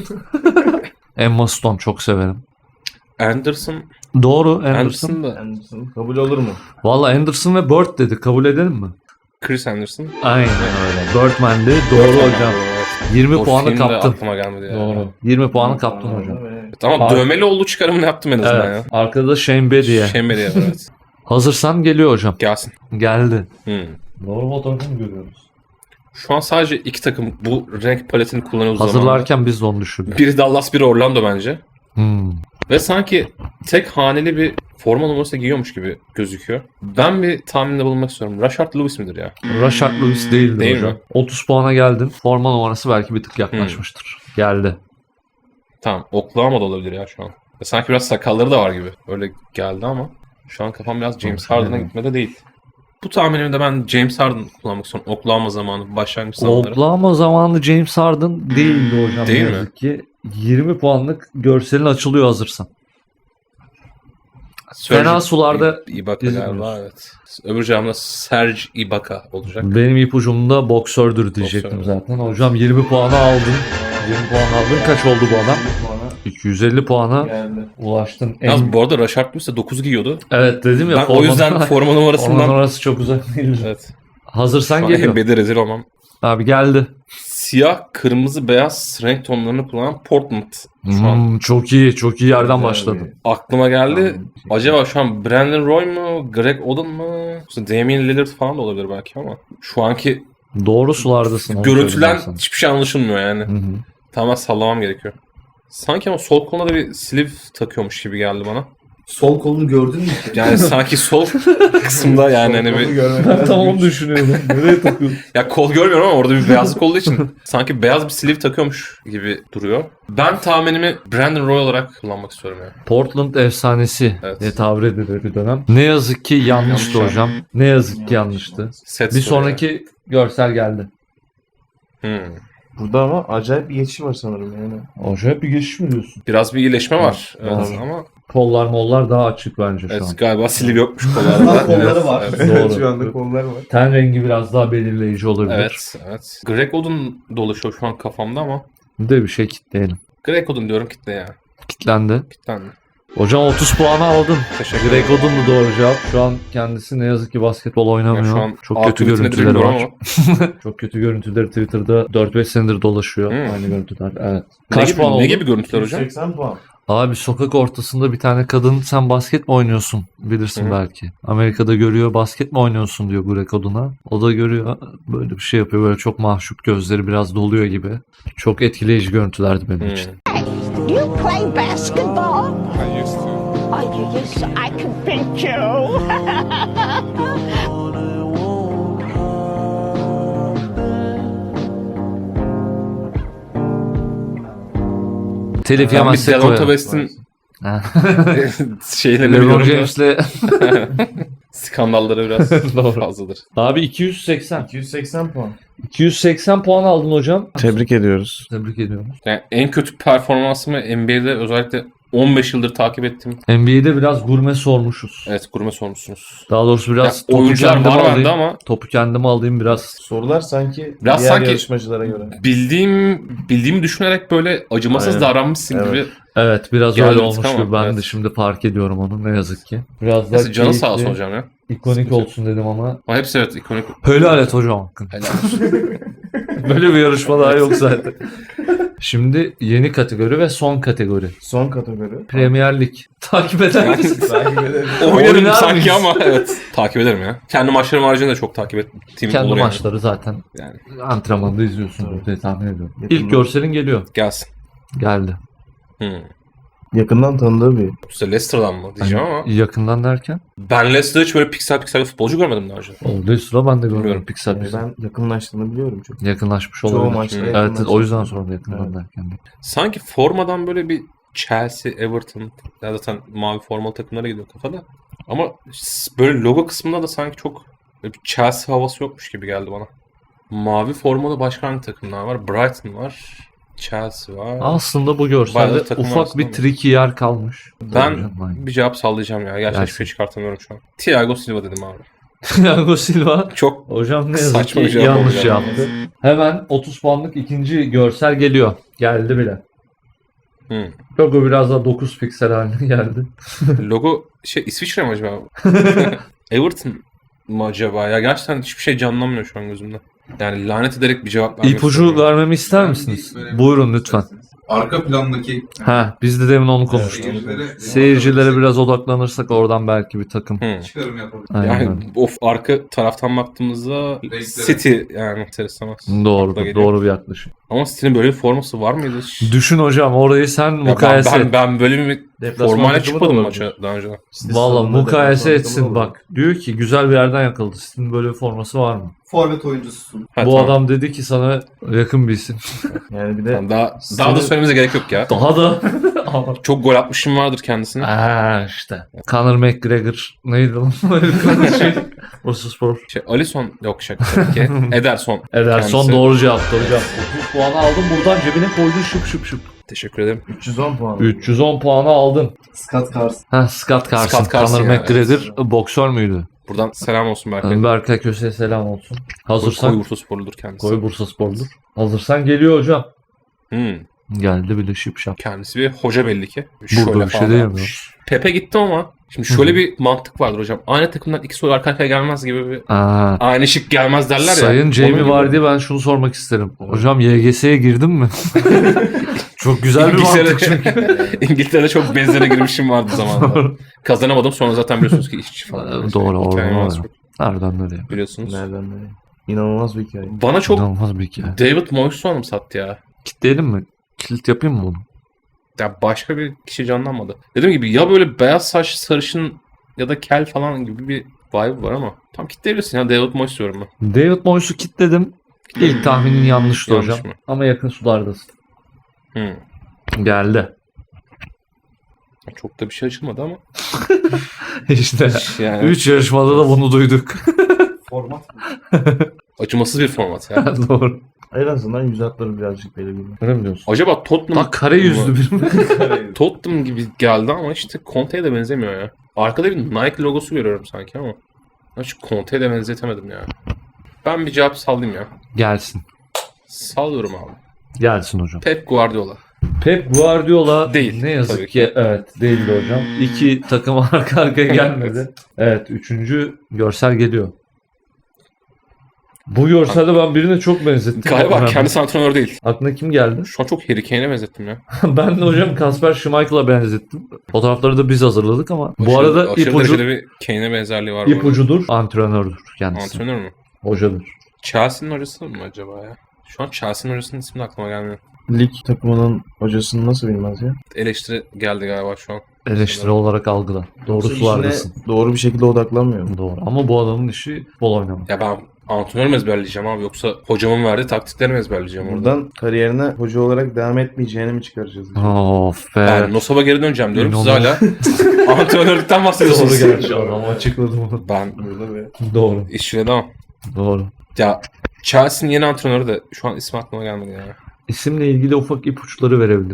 [SPEAKER 1] Emma Stone çok severim.
[SPEAKER 2] Anderson.
[SPEAKER 1] Doğru Anderson.
[SPEAKER 2] Anderson da.
[SPEAKER 3] Anderson kabul olur mu?
[SPEAKER 1] Valla Anderson ve Bird dedi. Kabul edelim mi?
[SPEAKER 2] Chris Anderson.
[SPEAKER 1] Aynen öyle. Birdman'di. Doğru
[SPEAKER 2] Birdman
[SPEAKER 1] hocam.
[SPEAKER 2] evet.
[SPEAKER 1] 20
[SPEAKER 2] O
[SPEAKER 1] puanı
[SPEAKER 2] film de
[SPEAKER 1] kaptın.
[SPEAKER 2] aklıma gelmedi ya.
[SPEAKER 1] Doğru. 20 puanı kaptın hocam.
[SPEAKER 2] Evet, ama
[SPEAKER 1] Abi-
[SPEAKER 2] dövmeli olduğu çıkarımını yaptım en azından
[SPEAKER 1] Evet. Arkada Shane
[SPEAKER 2] ya.
[SPEAKER 1] Betty'ye.
[SPEAKER 2] Şemberi ya evet.
[SPEAKER 1] Hazırsan geliyor hocam.
[SPEAKER 2] Gelsin.
[SPEAKER 1] Geldi.
[SPEAKER 2] Hmm.
[SPEAKER 1] Doğru fotoğrafı mı görüyoruz?
[SPEAKER 2] Şu an sadece iki takım bu renk paletini kullanıyor zamanında.
[SPEAKER 1] Hazırlarken biz de onu düşürdük.
[SPEAKER 2] Biri Dallas, biri Orlando bence.
[SPEAKER 1] Hmm.
[SPEAKER 2] Ve sanki tek haneli bir forma numarası giyiyormuş gibi gözüküyor. Ben bir tahminde bulunmak istiyorum. Rashard Lewis midir ya?
[SPEAKER 1] Rashard Lewis değildi
[SPEAKER 2] Değil
[SPEAKER 1] hocam.
[SPEAKER 2] mi?
[SPEAKER 1] 30 puana geldin. Forma numarası belki bir tık yaklaşmıştır. Geldi.
[SPEAKER 2] Tamam. Oklahoma'da olabilir ya şu an. Sanki biraz sakalları da var gibi. Öyle geldi ama şu an kafam biraz James Harden'a gitmede değil. Bu tahminimde ben James Harden kullanmak istiyorum. Oklahoma zamanı, başlangıç zamanları.
[SPEAKER 1] Oklahoma zamanı James Harden değildi hocam.
[SPEAKER 2] Değil
[SPEAKER 1] ne
[SPEAKER 2] mi?
[SPEAKER 1] yazık ki. 20 puanlık görselin açılıyor hazırsan. Fena sularda
[SPEAKER 2] Ibaka
[SPEAKER 1] izliyoruz.
[SPEAKER 2] galiba evet. Öbür camda Serge Ibaka olacak.
[SPEAKER 1] Benim ipucumda boksördür diyecektim
[SPEAKER 2] Boksör.
[SPEAKER 1] zaten. Hocam 20 puanı aldın. 20 puan aldın. Kaç oldu bu adam? 250 puana
[SPEAKER 3] Geldi.
[SPEAKER 1] ulaştın.
[SPEAKER 2] Yalnız bu arada Rashard Lewis de 9 giyiyordu.
[SPEAKER 1] Evet dedim ya.
[SPEAKER 2] Ben o yüzden forma
[SPEAKER 1] Forma
[SPEAKER 2] numarasından
[SPEAKER 1] numarası çok uzak değil.
[SPEAKER 2] evet.
[SPEAKER 1] Hazırsan
[SPEAKER 2] Şu an
[SPEAKER 1] geliyor.
[SPEAKER 2] NBA'de rezil olmam.
[SPEAKER 1] Abi geldi.
[SPEAKER 2] Siyah, kırmızı, beyaz renk tonlarını kullanan Portland. Şu an
[SPEAKER 1] Çok iyi. Çok iyi yerden başladın.
[SPEAKER 2] aklıma geldi. Acaba şu an Brandon Roy mu? Greg Oden mu? Yoksa Damian Lillard falan da olabilir belki ama. Şu anki
[SPEAKER 1] Doğru sulardasın. onu
[SPEAKER 2] görüntülen
[SPEAKER 1] söyleyeyim ben
[SPEAKER 2] hiçbir şey anlaşılmıyor yani.
[SPEAKER 1] sana. Hı hı.
[SPEAKER 2] Tamamen sallamam gerekiyor. Sanki ama sol koluna da bir sleeve takıyormuş gibi geldi bana.
[SPEAKER 4] Sol kolunu gördün mü?
[SPEAKER 2] Yani sanki sol kısımda yani hani bir...
[SPEAKER 1] Ben tam onu düşünüyordum. Nereye takıyorsun?
[SPEAKER 2] Ya kol görmüyorum ama orada bir beyazlık olduğu için sanki beyaz bir sleeve takıyormuş gibi duruyor. Ben tahminimi Brandon Roy olarak kullanmak istiyorum ya.
[SPEAKER 1] Portland efsanesi
[SPEAKER 2] Evet.
[SPEAKER 1] diye tabir edilir bir dönem. Ne yazık ki yanlıştı
[SPEAKER 2] Yanlış
[SPEAKER 1] hocam. Ne yazık ki yanlıştı.
[SPEAKER 2] Set
[SPEAKER 1] Bir
[SPEAKER 2] story
[SPEAKER 1] sonraki görsel geldi.
[SPEAKER 2] yani.
[SPEAKER 3] Burada ama acayip bir geçiş var sanırım yani.
[SPEAKER 1] Acayip bir geçiş mi diyorsun?
[SPEAKER 2] Biraz bir iyileşme var. Evet,
[SPEAKER 1] Doğru.
[SPEAKER 2] ama
[SPEAKER 1] Kollar mollar daha açık bence şu an.
[SPEAKER 2] evet, galiba sleeve yokmuş kollarda.
[SPEAKER 4] Kolları var.
[SPEAKER 2] Evet.
[SPEAKER 1] Doğru.
[SPEAKER 3] Şu anda kollar var.
[SPEAKER 1] Ten rengi biraz daha belirleyici olabilir.
[SPEAKER 2] Evet, evet. Greg Oden dolaşıyor şu an kafamda ama.
[SPEAKER 1] Bir de bir şey kitleyelim.
[SPEAKER 2] Greg Oden diyorum kitle ya.
[SPEAKER 1] Kitlendi.
[SPEAKER 2] Kitlendi.
[SPEAKER 1] Hocam 30 puanı aldın.
[SPEAKER 2] Teşekkür
[SPEAKER 1] Greg
[SPEAKER 2] ederim.
[SPEAKER 1] Oden'du doğru cevap. Şu an kendisi ne yazık ki basketbol
[SPEAKER 2] Ya
[SPEAKER 1] oynamıyor.
[SPEAKER 2] şu an
[SPEAKER 1] Çok kötü
[SPEAKER 2] akıbeti nedir
[SPEAKER 1] görüntüleri
[SPEAKER 2] bilmiyorum
[SPEAKER 1] var.
[SPEAKER 2] ama.
[SPEAKER 1] Çok kötü görüntüleri Twitter'da 4-5 senedir dolaşıyor.
[SPEAKER 2] Hmm.
[SPEAKER 1] Aynı görüntüler. Evet.
[SPEAKER 2] Ne
[SPEAKER 1] Kaç
[SPEAKER 2] gibi,
[SPEAKER 1] puan oldu?
[SPEAKER 2] ne gibi görüntüler hocam?
[SPEAKER 3] 80 puan.
[SPEAKER 1] Abi sokak ortasında bir tane kadın sen basket mi oynuyorsun bilirsin
[SPEAKER 2] Hı.
[SPEAKER 1] belki. Amerika'da görüyor basket mi oynuyorsun diyor Greg Oden'a. O da görüyor böyle bir şey yapıyor. Böyle çok mahcup gözleri biraz doluyor gibi. Çok etkileyici görüntülerdi benim
[SPEAKER 2] Hmm.
[SPEAKER 1] için.
[SPEAKER 5] You play basketball?
[SPEAKER 6] I used to.
[SPEAKER 5] Oh, you used to. I can pinch you.
[SPEAKER 1] Telif
[SPEAKER 2] Ben bir
[SPEAKER 1] yemezsek
[SPEAKER 2] Delonta
[SPEAKER 1] koyalım.
[SPEAKER 2] West'in
[SPEAKER 1] Ha.
[SPEAKER 2] şeylerini
[SPEAKER 1] LeBron
[SPEAKER 2] biliyorum da
[SPEAKER 1] James'le
[SPEAKER 2] skandalları biraz
[SPEAKER 1] Doğru.
[SPEAKER 2] fazladır.
[SPEAKER 1] Abi 280.
[SPEAKER 3] 280 puan.
[SPEAKER 1] 280 puan aldın hocam.
[SPEAKER 3] Tebrik ediyoruz.
[SPEAKER 1] Tebrik ediyorum.
[SPEAKER 2] Yani en kötü performansımı NBA'de özellikle 15 yıldır takip ettim.
[SPEAKER 1] NBA'de biraz gurme sormuşuz.
[SPEAKER 2] Evet, gurme sormuşsunuz.
[SPEAKER 1] Daha doğrusu biraz
[SPEAKER 2] Ya,
[SPEAKER 1] topu
[SPEAKER 2] oyuncular
[SPEAKER 1] kendime
[SPEAKER 2] var bende
[SPEAKER 1] alayım.
[SPEAKER 2] ama
[SPEAKER 1] Topu kendime alayım biraz.
[SPEAKER 3] Sorular sanki
[SPEAKER 2] Biraz
[SPEAKER 3] diğer
[SPEAKER 2] sanki-
[SPEAKER 3] yarışmacılara göre.
[SPEAKER 2] bildiğimi düşünerek böyle acımasız
[SPEAKER 3] Aynen.
[SPEAKER 2] davranmışsın
[SPEAKER 3] Evet.
[SPEAKER 2] gibi.
[SPEAKER 1] Evet biraz
[SPEAKER 2] Geldi
[SPEAKER 1] öyle
[SPEAKER 2] bir
[SPEAKER 1] olmuş
[SPEAKER 2] tık ama,
[SPEAKER 1] gibi. Ben de
[SPEAKER 2] evet.
[SPEAKER 1] şimdi fark ediyorum onu ne yazık ki. Biraz daha
[SPEAKER 2] Neyse, canı sağ olsun
[SPEAKER 1] keyifli,
[SPEAKER 2] hocam ya.
[SPEAKER 1] ikonik
[SPEAKER 2] Sıkıntı yok.
[SPEAKER 1] olsun dedim ama.
[SPEAKER 2] Ama hepsi evet ikonik.
[SPEAKER 1] Helal et hocam.
[SPEAKER 2] Helal olsun.
[SPEAKER 1] Böyle bir yarışma daha yok zaten. Şimdi yeni kategori ve son kategori.
[SPEAKER 3] Son kategori.
[SPEAKER 1] Premier Lig. Takip eder misin?
[SPEAKER 3] Takip edelim.
[SPEAKER 2] Oynarım
[SPEAKER 1] Oynar
[SPEAKER 2] sanki
[SPEAKER 1] mıyız?
[SPEAKER 2] ama evet. Takip ederim ya. Kendi maçlarım haricinde de çok takip ettiğim
[SPEAKER 1] Kendi
[SPEAKER 2] olur yani.
[SPEAKER 1] maçları zaten
[SPEAKER 2] Yani
[SPEAKER 1] antrenmanda izliyorsun diye tahmin ediyorum.
[SPEAKER 3] Yakından.
[SPEAKER 1] İlk görselin geliyor.
[SPEAKER 2] gelsin.
[SPEAKER 1] Geldi.
[SPEAKER 3] Yakından tanıdığı bir.
[SPEAKER 2] İşte Leicester'dan mı diyeceğim ama
[SPEAKER 1] Yakından derken?
[SPEAKER 2] ben Leicester'da hiç böyle piksel bir futbolcu görmedim daha önce.
[SPEAKER 1] Olduğu sıra ben de görmüyorum
[SPEAKER 2] Bilmiyorum.
[SPEAKER 1] piksel piksel.
[SPEAKER 3] Ben yakınlaştığını biliyorum çok.
[SPEAKER 1] Yakınlaşmış
[SPEAKER 3] Çoğu
[SPEAKER 1] olabilir.
[SPEAKER 3] maçta
[SPEAKER 1] Evet
[SPEAKER 3] yakınlaşmış.
[SPEAKER 1] o yüzden sordum yakından
[SPEAKER 3] Evet.
[SPEAKER 1] derken.
[SPEAKER 2] Sanki formadan böyle bir Chelsea, Everton ya zaten mavi formalı takımlara gidiyor kafada. Ama böyle logo kısmında da sanki çok böyle bir Chelsea havası yokmuş gibi geldi bana. Mavi formalı başka hangi takımlar var? Brighton var. Chelsea var.
[SPEAKER 1] Aslında bu
[SPEAKER 2] Bayağı
[SPEAKER 1] görselde
[SPEAKER 2] da takım
[SPEAKER 1] ufak
[SPEAKER 2] arasında
[SPEAKER 1] bir
[SPEAKER 2] mı?
[SPEAKER 1] tricky yer kalmış.
[SPEAKER 2] Ben
[SPEAKER 1] Aynen.
[SPEAKER 2] bir cevap sallayacağım ya. Gerçekten hiçbir
[SPEAKER 1] Gelsin.
[SPEAKER 2] şey çıkartamıyorum şu an. Thiago Silva dedim abi.
[SPEAKER 1] Thiago Silva.
[SPEAKER 2] Çok
[SPEAKER 1] Hocam ne yazık
[SPEAKER 2] Saçma
[SPEAKER 1] ki
[SPEAKER 2] bir cevap
[SPEAKER 1] yanlış
[SPEAKER 2] oldu yani.
[SPEAKER 1] yaptı. Hemen 30 puanlık ikinci görsel geliyor. Geldi bile. Logo biraz daha 9 piksel haline geldi.
[SPEAKER 2] logo İsviçre mi acaba? Everton mı acaba? Ya gerçekten hiçbir şey canlanmıyor şu an gözümde. Yani lanet ederek bir cevap vermek
[SPEAKER 1] İpucu
[SPEAKER 2] istiyorum.
[SPEAKER 1] vermemi ister misiniz? Buyurun lütfen.
[SPEAKER 4] Arka plandaki
[SPEAKER 1] Ha, biz de demin onu konuştuk. Seyircilere biraz odaklanırsak oradan belki bir takım.
[SPEAKER 4] çıkarım yapabilir.
[SPEAKER 1] Aynen.
[SPEAKER 2] Yani of arka taraftan baktığımızda City yani ister
[SPEAKER 1] Doğru,
[SPEAKER 2] Akla geliyor.
[SPEAKER 1] doğru bir yaklaşım.
[SPEAKER 2] Ama City'nin böyle bir forması var mıydı hiç?
[SPEAKER 1] Düşün hocam orayı sen
[SPEAKER 2] Ya
[SPEAKER 1] mukayese et.
[SPEAKER 2] ben böyle bir
[SPEAKER 3] Deplasman
[SPEAKER 2] formayla
[SPEAKER 3] takımı da
[SPEAKER 2] çıkmadım
[SPEAKER 3] olabilir.
[SPEAKER 2] maça daha önce.
[SPEAKER 1] Valla mukayese etsin
[SPEAKER 3] takımı da
[SPEAKER 1] bak. Diyor ki güzel bir yerden yakaladı. Sizin böyle bir forması var mı?
[SPEAKER 4] Forvet oyuncususun.
[SPEAKER 2] Ha,
[SPEAKER 1] Bu
[SPEAKER 2] tamam.
[SPEAKER 1] adam dedi ki sana yakın bir isim.
[SPEAKER 3] Yani bir de
[SPEAKER 2] Tamam, daha da söylememize gerek yok ya.
[SPEAKER 1] Daha da
[SPEAKER 2] Çok gol atmışım vardır kendisine.
[SPEAKER 1] işte. Conor McGregor neydi lan? şey. Bursaspor.
[SPEAKER 2] Alisson yok şaka tabii ki. Ederson.
[SPEAKER 1] Ederson
[SPEAKER 2] kendisi.
[SPEAKER 1] doğru cevap. Doğru cevap. 30 puanı aldın buradan cebine koydun şıp şıp şıp.
[SPEAKER 2] Teşekkür ederim.
[SPEAKER 3] 310 puan.
[SPEAKER 1] 310 puanı aldın.
[SPEAKER 4] Scott Carson.
[SPEAKER 1] Ha, Scott Carson.
[SPEAKER 2] Scott Carson
[SPEAKER 1] Conor
[SPEAKER 2] ya,
[SPEAKER 1] McGregor boksör müydü?
[SPEAKER 2] Buradan selam olsun Berkay.
[SPEAKER 1] Berkay Köse'ye selam olsun.
[SPEAKER 2] Koy
[SPEAKER 1] Hazırsan
[SPEAKER 2] Bursa sporludur kendisi.
[SPEAKER 1] Koy Bursaspor'dur. Hazırsan geliyor hocam.
[SPEAKER 2] Hmm.
[SPEAKER 1] Geldi bile şıp şap.
[SPEAKER 2] Kendisi bir hoca belli ki.
[SPEAKER 1] Burada bir şey
[SPEAKER 2] falan
[SPEAKER 1] değil
[SPEAKER 2] yapmış. Pepe gitti ama şimdi şöyle bir mantık vardır hocam. Aynı takımdan iki soru arka arkaya gelmez gibi bir
[SPEAKER 1] Aa,
[SPEAKER 2] aynı şık gelmez derler ya.
[SPEAKER 1] Sayın
[SPEAKER 2] Onun
[SPEAKER 1] Jamie
[SPEAKER 2] gibi.
[SPEAKER 1] var diye ben şunu sormak isterim. Hocam YGS'ye girdin mi? Çok güzel bir mantık çünkü.
[SPEAKER 2] İngiltere'de çok benzere girmişim vardı zamanında. Kazanamadım sonra zaten biliyorsunuz ki işçi falan.
[SPEAKER 1] Doğru,
[SPEAKER 2] Hikayem
[SPEAKER 1] doğru.
[SPEAKER 2] var çok,
[SPEAKER 1] Nereden nereye?
[SPEAKER 2] biliyorsunuz.
[SPEAKER 3] Nereden nereye? İnanılmaz bir hikaye.
[SPEAKER 2] Bana çok
[SPEAKER 1] İnanılmaz bir hikaye.
[SPEAKER 2] David Moyes'u anımsattı ya.
[SPEAKER 1] Kitleyelim mi? Kilit yapayım mı bunu?
[SPEAKER 2] Ya başka bir kişi canlanmadı. Dediğim gibi ya böyle beyaz saç sarışın ya da kel falan gibi bir vibe var ama tam kitleyebilirsin ya David Moyes diyorum ben.
[SPEAKER 1] David Moyes'u kitledim. İlk tahminin yanlıştı
[SPEAKER 2] Yanlış
[SPEAKER 1] hocam.
[SPEAKER 2] mı?
[SPEAKER 1] Ama yakın sulardasın. Geldi.
[SPEAKER 2] Çok da bir şey açılmadı ama.
[SPEAKER 1] İşte
[SPEAKER 2] Yani
[SPEAKER 1] 3 yarışmada da bunu duyduk.
[SPEAKER 4] Format.
[SPEAKER 2] acımasız bir format ya.
[SPEAKER 1] Doğru.
[SPEAKER 3] En azından yüz hatları birazcık belirgin.
[SPEAKER 1] Öyle mi diyorsun?
[SPEAKER 2] Acaba Tottenham...
[SPEAKER 1] Bak kare yüzlü bir mi?
[SPEAKER 2] Tottenham gibi geldi ama işte Conte'ye de benzemiyor ya. Arkada bir Nike logosu görüyorum sanki ama. Hiç Conte'ye de benzetemedim ya. Ben bir cevap sallayayım ya.
[SPEAKER 1] Gelsin.
[SPEAKER 2] Sallıyorum abi.
[SPEAKER 1] Gelsin hocam.
[SPEAKER 2] Pep Guardiola.
[SPEAKER 1] Pep Guardiola
[SPEAKER 2] Değil,
[SPEAKER 1] ne yazık
[SPEAKER 2] tabii
[SPEAKER 1] ki
[SPEAKER 2] ki.
[SPEAKER 1] evet değildi hocam. 2 takım arka arkaya gelmedi. Evet 3. görsel geliyor. Bu görselde ben birine çok benzettim.
[SPEAKER 2] Galiba kendisi antrenör değil.
[SPEAKER 1] Aklına kim geldi?
[SPEAKER 2] Şu an çok Harry Kane'e benzettim ya.
[SPEAKER 1] Ben de hocam Kasper Schmeichel'a benzettim. Fotoğrafları da biz hazırladık ama bu arada
[SPEAKER 2] aşırı
[SPEAKER 1] ipucu,
[SPEAKER 2] derecede bir Kane'e benzerliği var. bu arada.
[SPEAKER 1] ipucudur, antrenördür kendisi.
[SPEAKER 2] Antrenör mü?
[SPEAKER 1] Hocadır.
[SPEAKER 2] Chelsea'nin hocası mı acaba ya? Şu an Chelsea'nin hocasının ismi de aklıma gelmiyor.
[SPEAKER 3] Lig takımının hocasını nasıl bilmez ya?
[SPEAKER 2] Eleştiri geldi galiba şu an.
[SPEAKER 1] Eleştiri olarak algıla. Doğru
[SPEAKER 3] İşine
[SPEAKER 1] sulardasın.
[SPEAKER 3] doğru bir şekilde odaklanmıyor mu?
[SPEAKER 1] Doğru. Ama bu adamın işi futbol oynamak.
[SPEAKER 2] Ya ben antrenör mü ezberleyeceğim abi yoksa hocamın verdiği taktikleri mi ezberleyeceğim orada?
[SPEAKER 3] Buradan kariyerine hoca olarak devam etmeyeceğini mi çıkaracağız?
[SPEAKER 1] Of be.
[SPEAKER 2] Ben Nosov'a geri döneceğim diyorum. Siz
[SPEAKER 1] İnanılmaz.
[SPEAKER 2] hala antrenörlükten bahsediyorsunuz.
[SPEAKER 1] Doğru gerçi adam açıkladı bunu.
[SPEAKER 2] Ben
[SPEAKER 3] Burada ve
[SPEAKER 1] Doğru.
[SPEAKER 2] işine devam.
[SPEAKER 1] Doğru.
[SPEAKER 2] Ya Chelsea'nin yeni antrenörü de şu an ismi aklıma gelmedi ya.
[SPEAKER 1] İsimle ilgili ufak ipuçları verebiliriz.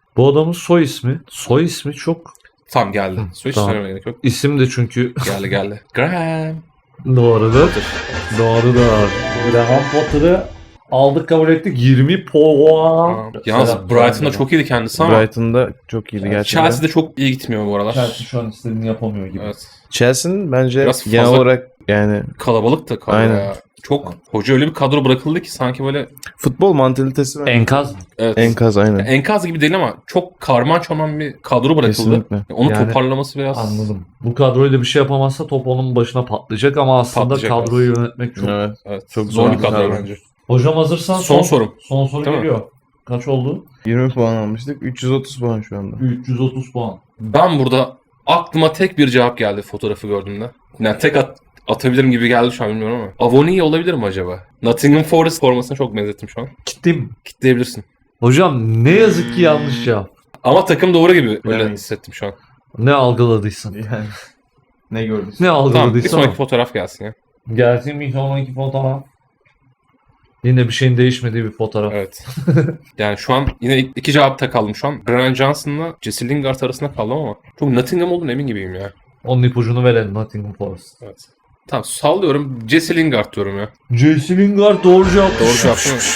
[SPEAKER 1] Bu adamın soy ismi. Soy ismi çok...
[SPEAKER 2] Tamam geldi. Hiç
[SPEAKER 1] Tamam.
[SPEAKER 2] söylemeye gerek yok.
[SPEAKER 1] İsim de çünkü
[SPEAKER 2] Geldi. Graham.
[SPEAKER 1] doğrudur. Doğrudur. Graham Potter'ı aldık kabul ettik. 20 puan.
[SPEAKER 2] Tamam. Yalnız
[SPEAKER 1] Selam.
[SPEAKER 2] Brighton'da çok iyiydi kendisi ama
[SPEAKER 3] Brighton'da çok iyiydi gerçekten.
[SPEAKER 2] Chelsea'de çok iyi gitmiyor bu aralar.
[SPEAKER 1] Chelsea şu an istediğini yapamıyor gibi.
[SPEAKER 2] Evet.
[SPEAKER 3] Chelsea'nin bence
[SPEAKER 2] Biraz
[SPEAKER 3] genel
[SPEAKER 2] fazla-
[SPEAKER 3] olarak yani
[SPEAKER 2] Kalabalık da kadro
[SPEAKER 3] Aynen.
[SPEAKER 2] ya. Çok hoca öyle bir kadro bırakıldı ki sanki böyle
[SPEAKER 3] futbol mantalitesi
[SPEAKER 1] Enkaz.
[SPEAKER 2] evet.
[SPEAKER 3] enkaz aynen.
[SPEAKER 2] Enkaz gibi değil ama çok karman çorman bir kadro bırakıldı.
[SPEAKER 3] Kesinlikle.
[SPEAKER 2] Onu
[SPEAKER 1] Yani
[SPEAKER 2] toparlaması biraz
[SPEAKER 1] Anladım. Bu kadroyla bir şey yapamazsa top onun başına patlayacak ama aslında
[SPEAKER 2] Patlayacak
[SPEAKER 1] kadroyu yönetmek çok...
[SPEAKER 3] Evet.
[SPEAKER 2] evet.
[SPEAKER 3] Çok
[SPEAKER 2] zor
[SPEAKER 3] zor
[SPEAKER 2] bir
[SPEAKER 3] bir
[SPEAKER 2] kadro
[SPEAKER 3] kadro.
[SPEAKER 2] bence.
[SPEAKER 1] Hocam hazırsan
[SPEAKER 2] Son sorum.
[SPEAKER 1] Son soru
[SPEAKER 2] Değil mi?
[SPEAKER 1] geliyor. Kaç oldu?
[SPEAKER 3] 20 puan almıştık. 330 puan şu anda.
[SPEAKER 1] 330 puan.
[SPEAKER 2] Ben burada aklıma tek bir cevap geldi fotoğrafı gördüğümde. Yani atabilirim gibi geldi şu an bilmiyorum ama. Avoni olabilir mi acaba? Nottingham Forest formasına çok benzettim şu an.
[SPEAKER 1] Gittim.
[SPEAKER 2] Kitleyebilirsin.
[SPEAKER 1] Hocam ne yazık ki yanlış cevap.
[SPEAKER 2] Ama takım doğru gibi öyle
[SPEAKER 3] Bilemeyiz.
[SPEAKER 2] hissettim şu an.
[SPEAKER 1] Ne algıladıysan.
[SPEAKER 3] Yani ne gördün?
[SPEAKER 1] Ne
[SPEAKER 2] Tamam bir
[SPEAKER 1] algıladıysan.
[SPEAKER 2] sonraki fotoğraf gelsin ya.
[SPEAKER 1] Gelsin bir sonraki fotoğraf. Yine bir şeyin değişmediği bir fotoğraf.
[SPEAKER 2] Evet. Yani şu an yine iki cevapta kaldım şu an. Brennan Johnson'la Jesse Lingard arasında kaldım ama çok Nottingham olduğunu emin gibiyim ya.
[SPEAKER 1] Onun ipucunu verelim Nottingham Forest.
[SPEAKER 2] Evet. Tamam sallıyorum. Jesse Lingard diyorum ya.
[SPEAKER 1] Jesse Lingard doğru cevap.
[SPEAKER 2] Doğru cevap değil mi?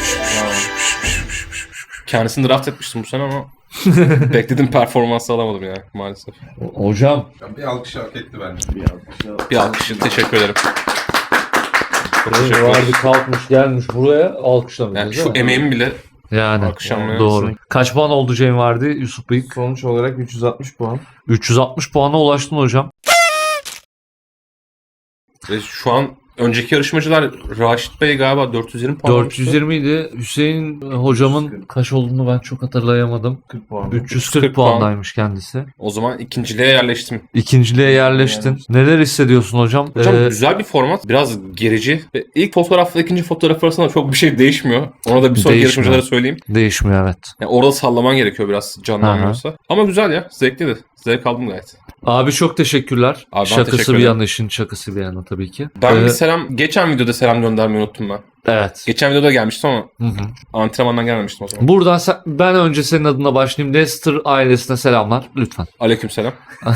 [SPEAKER 2] Kendisini draft etmiştim bu sene ama beklediğim performansı alamadım ya maalesef.
[SPEAKER 1] Hocam
[SPEAKER 4] Bir alkış hak etti bence.
[SPEAKER 2] Bir alkış. Teşekkür ederim. Çok teşekkür
[SPEAKER 1] vardı
[SPEAKER 2] ederim.
[SPEAKER 1] kalkmış gelmiş buraya alkışlamayacağız
[SPEAKER 2] Yani
[SPEAKER 1] değil
[SPEAKER 2] şu
[SPEAKER 1] mi?
[SPEAKER 2] emeğimi bile
[SPEAKER 1] Yani
[SPEAKER 2] alkışlanmaya
[SPEAKER 1] doğru. Kaç puan oldu Cem vardı Yusuf Bey?
[SPEAKER 3] Sonuç olarak 360 puan.
[SPEAKER 1] 360 puana ulaştın hocam.
[SPEAKER 2] ve şu an önceki yarışmacılar Raşit Bey galiba 420 puan almıştı.
[SPEAKER 1] 420 idi. Hüseyin hocamın kaç olduğunu ben çok hatırlayamadım.
[SPEAKER 3] 40 puan.
[SPEAKER 1] 340
[SPEAKER 2] puan.
[SPEAKER 1] puandaymış kendisi.
[SPEAKER 2] O zaman ikinciliğe yerleştim.
[SPEAKER 1] İkinciliğe yerleştin. Neler hissediyorsun hocam?
[SPEAKER 2] Hocam güzel bir format. Biraz gerici. Ve ilk fotoğrafla ikinci fotoğraf arasında çok bir şey değişmiyor. Ona da bir sonraki
[SPEAKER 1] Değişmiyor.
[SPEAKER 2] yarışmacılara söyleyeyim.
[SPEAKER 1] Değişmiyor evet.
[SPEAKER 2] Yani orada sallaman gerekiyor biraz canlanmıyorsa. Ama güzel ya. Zevkliydi. Zevk aldım gayet.
[SPEAKER 1] Abi çok teşekkürler.
[SPEAKER 2] Abi ben
[SPEAKER 1] Şakası
[SPEAKER 2] teşekkür
[SPEAKER 1] bir
[SPEAKER 2] ederim.
[SPEAKER 1] yana işin şakası bir yana tabii ki.
[SPEAKER 2] Ben bir selam... Geçen videoda selam göndermeyi unuttum ben.
[SPEAKER 1] Evet.
[SPEAKER 2] Geçen videoda gelmiştim ama
[SPEAKER 1] Hı hı.
[SPEAKER 2] antrenmandan gelmemiştim o zaman.
[SPEAKER 1] Buradan ben önce senin adına başlayayım. Leicester ailesine selamlar lütfen.
[SPEAKER 2] Aleykümselam.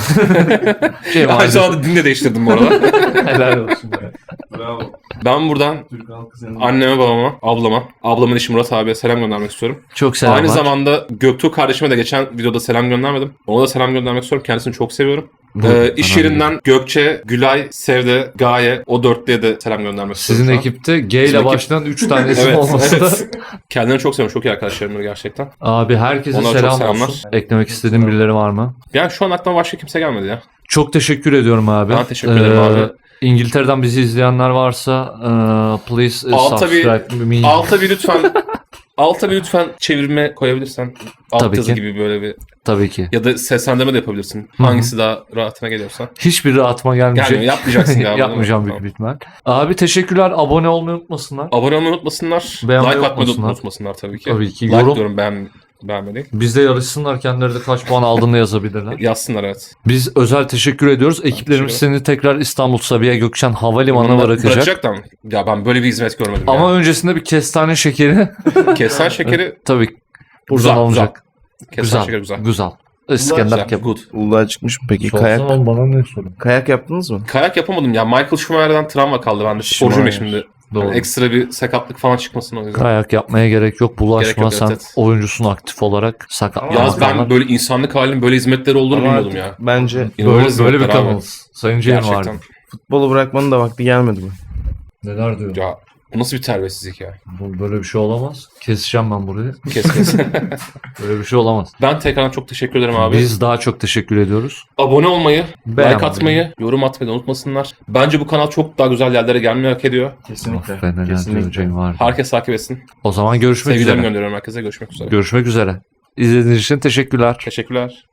[SPEAKER 1] Cem
[SPEAKER 2] Aynı
[SPEAKER 1] ailesi.
[SPEAKER 2] zamanda din de değiştirdim bu arada.
[SPEAKER 1] Helal olsun. be.
[SPEAKER 3] Bravo.
[SPEAKER 2] Ben buradan
[SPEAKER 3] Türk halkı senin.
[SPEAKER 2] anneme, babama, ablama, ablamın eşi Murat abiye selam göndermek istiyorum.
[SPEAKER 1] Çok selamlar.
[SPEAKER 2] Aynı zamanda Göktuğ kardeşime de geçen videoda selam göndermedim. Ona da selam göndermek istiyorum. Kendisini çok seviyorum. İş yerinden Gökçe, Gülay, Sevde, Gaye o dörtlüye de selam göndermek istiyorum.
[SPEAKER 1] Sizin
[SPEAKER 2] şu an.
[SPEAKER 1] ekipte G ile
[SPEAKER 2] Bizim ekip-
[SPEAKER 1] başlayan 3 tane isim
[SPEAKER 2] Evet,
[SPEAKER 1] olması da.
[SPEAKER 2] evet. Kendilerini çok seviyorum. Çok iyi arkadaşlarımdır gerçekten.
[SPEAKER 1] Abi herkese
[SPEAKER 2] Onlara çok
[SPEAKER 1] selam
[SPEAKER 2] selamlar.
[SPEAKER 1] olsun. Eklemek istediğin birileri var mı?
[SPEAKER 2] Yani şu an aklıma başka kimse gelmedi ya.
[SPEAKER 1] Çok teşekkür ediyorum abi.
[SPEAKER 2] Ben teşekkür ederim abi.
[SPEAKER 1] İngiltere'den bizi izleyenler varsa please
[SPEAKER 2] Alta bir-
[SPEAKER 1] subscribe me.
[SPEAKER 2] Alta bir lütfen çevirme koyabilirsen. Alt
[SPEAKER 1] Tabii
[SPEAKER 2] yazı
[SPEAKER 1] ki.
[SPEAKER 2] gibi böyle bir.
[SPEAKER 1] Tabii ki.
[SPEAKER 2] Ya da seslendirme de yapabilirsin.
[SPEAKER 1] Hı hı.
[SPEAKER 2] Hangisi daha rahatına geliyorsa.
[SPEAKER 1] Hiçbir rahatıma gelmeyecek.
[SPEAKER 2] Gelmiyor. Yapmayacaksın galiba. değil mi?
[SPEAKER 1] Yapmayacağım büyük
[SPEAKER 2] Tamam.
[SPEAKER 1] bir ihtimal. Abi teşekkürler. Abone olmayı unutmasınlar.
[SPEAKER 2] Abone olmayı unutmasınlar.
[SPEAKER 1] Beğenmeyi
[SPEAKER 2] Like atmayı da
[SPEAKER 1] unutmasınlar.
[SPEAKER 2] unutmasınlar tabii ki.
[SPEAKER 1] Tabii ki.
[SPEAKER 2] Like
[SPEAKER 1] Yorum.
[SPEAKER 2] diyorum beğenme değil.
[SPEAKER 1] Bizde yarışsınlar. Kendileri de kaç puan aldığını yazabilirler.
[SPEAKER 2] Yazsınlar evet.
[SPEAKER 1] Biz özel teşekkür ediyoruz. Ekiplerimiz
[SPEAKER 2] teşekkür
[SPEAKER 1] seni tekrar İstanbul Sabiha Gökçen Havalimanı'na
[SPEAKER 2] Bunlar
[SPEAKER 1] bırakacak.
[SPEAKER 2] Bırakacak da mı? Ya ben böyle bir hizmet görmedim
[SPEAKER 1] Ama öncesinde bir kestane şekeri
[SPEAKER 2] ya. Kesen şekeri
[SPEAKER 1] tabii buradan
[SPEAKER 2] Güzel,
[SPEAKER 1] alınacak.
[SPEAKER 2] Kesen
[SPEAKER 1] Güzel.
[SPEAKER 2] şekeri güzel.
[SPEAKER 1] Güzel. İskender
[SPEAKER 2] Güzel,
[SPEAKER 1] kebap.
[SPEAKER 2] good.
[SPEAKER 3] Uludağ'a çıkmış mı peki?
[SPEAKER 1] Sorsan
[SPEAKER 3] Kayak
[SPEAKER 1] oğlum, bana ne sorun?
[SPEAKER 3] kayak yaptınız mı?
[SPEAKER 2] Kayak yapamadım ya. Michael Schumacher'dan travma kaldı. Ben de sporcuyum ya
[SPEAKER 3] Schumacher.
[SPEAKER 2] şimdi.
[SPEAKER 1] Doğru.
[SPEAKER 2] Yani ekstra bir sakatlık falan çıkmasın o yüzden.
[SPEAKER 1] Kayak yapmaya gerek yok. Bulaşma
[SPEAKER 2] Gerek yok,
[SPEAKER 1] sen
[SPEAKER 2] evet, evet.
[SPEAKER 1] oyuncusun aktif olarak. Sakatlanma
[SPEAKER 2] Yalnız ben
[SPEAKER 1] falan.
[SPEAKER 2] böyle insanlık halinin böyle hizmetleri olduğunu
[SPEAKER 3] Ama
[SPEAKER 2] bilmiyordum
[SPEAKER 3] artık
[SPEAKER 2] ya.
[SPEAKER 3] bence
[SPEAKER 2] İnanılmaz
[SPEAKER 1] Böyle bir
[SPEAKER 2] hizmetler abi.
[SPEAKER 1] kanalız. Sayın Cem
[SPEAKER 2] Gerçekten.
[SPEAKER 1] vardı.
[SPEAKER 3] futbolu bırakmanın da vakti gelmedi mi?
[SPEAKER 1] Neler diyor?
[SPEAKER 2] Ya bu nasıl bir terbiyesizlik ya.
[SPEAKER 1] Böyle bir şey olamaz. Keseceğim ben burayı.
[SPEAKER 2] Kes.
[SPEAKER 1] Böyle bir şey olamaz.
[SPEAKER 2] Ben tekrardan çok teşekkür ederim abi.
[SPEAKER 1] Biz daha çok teşekkür ediyoruz.
[SPEAKER 2] Abone olmayı,
[SPEAKER 1] Beğenmeyi.
[SPEAKER 2] like atmayı, yorum atmayı da unutmasınlar. Bence bu kanal çok daha güzel yerlere gelmeyi hak ediyor.
[SPEAKER 3] Kesinlikle.
[SPEAKER 1] Of be, neler diyor
[SPEAKER 3] Kesinlikle.
[SPEAKER 1] Cem vardı.
[SPEAKER 2] Herkes takip etsin.
[SPEAKER 1] O zaman görüşmek
[SPEAKER 2] Sevgilerimi
[SPEAKER 1] üzere.
[SPEAKER 2] gönderiyorum herkese. Görüşmek üzere.
[SPEAKER 1] Görüşmek üzere. İzlediğiniz için teşekkürler.
[SPEAKER 2] Teşekkürler.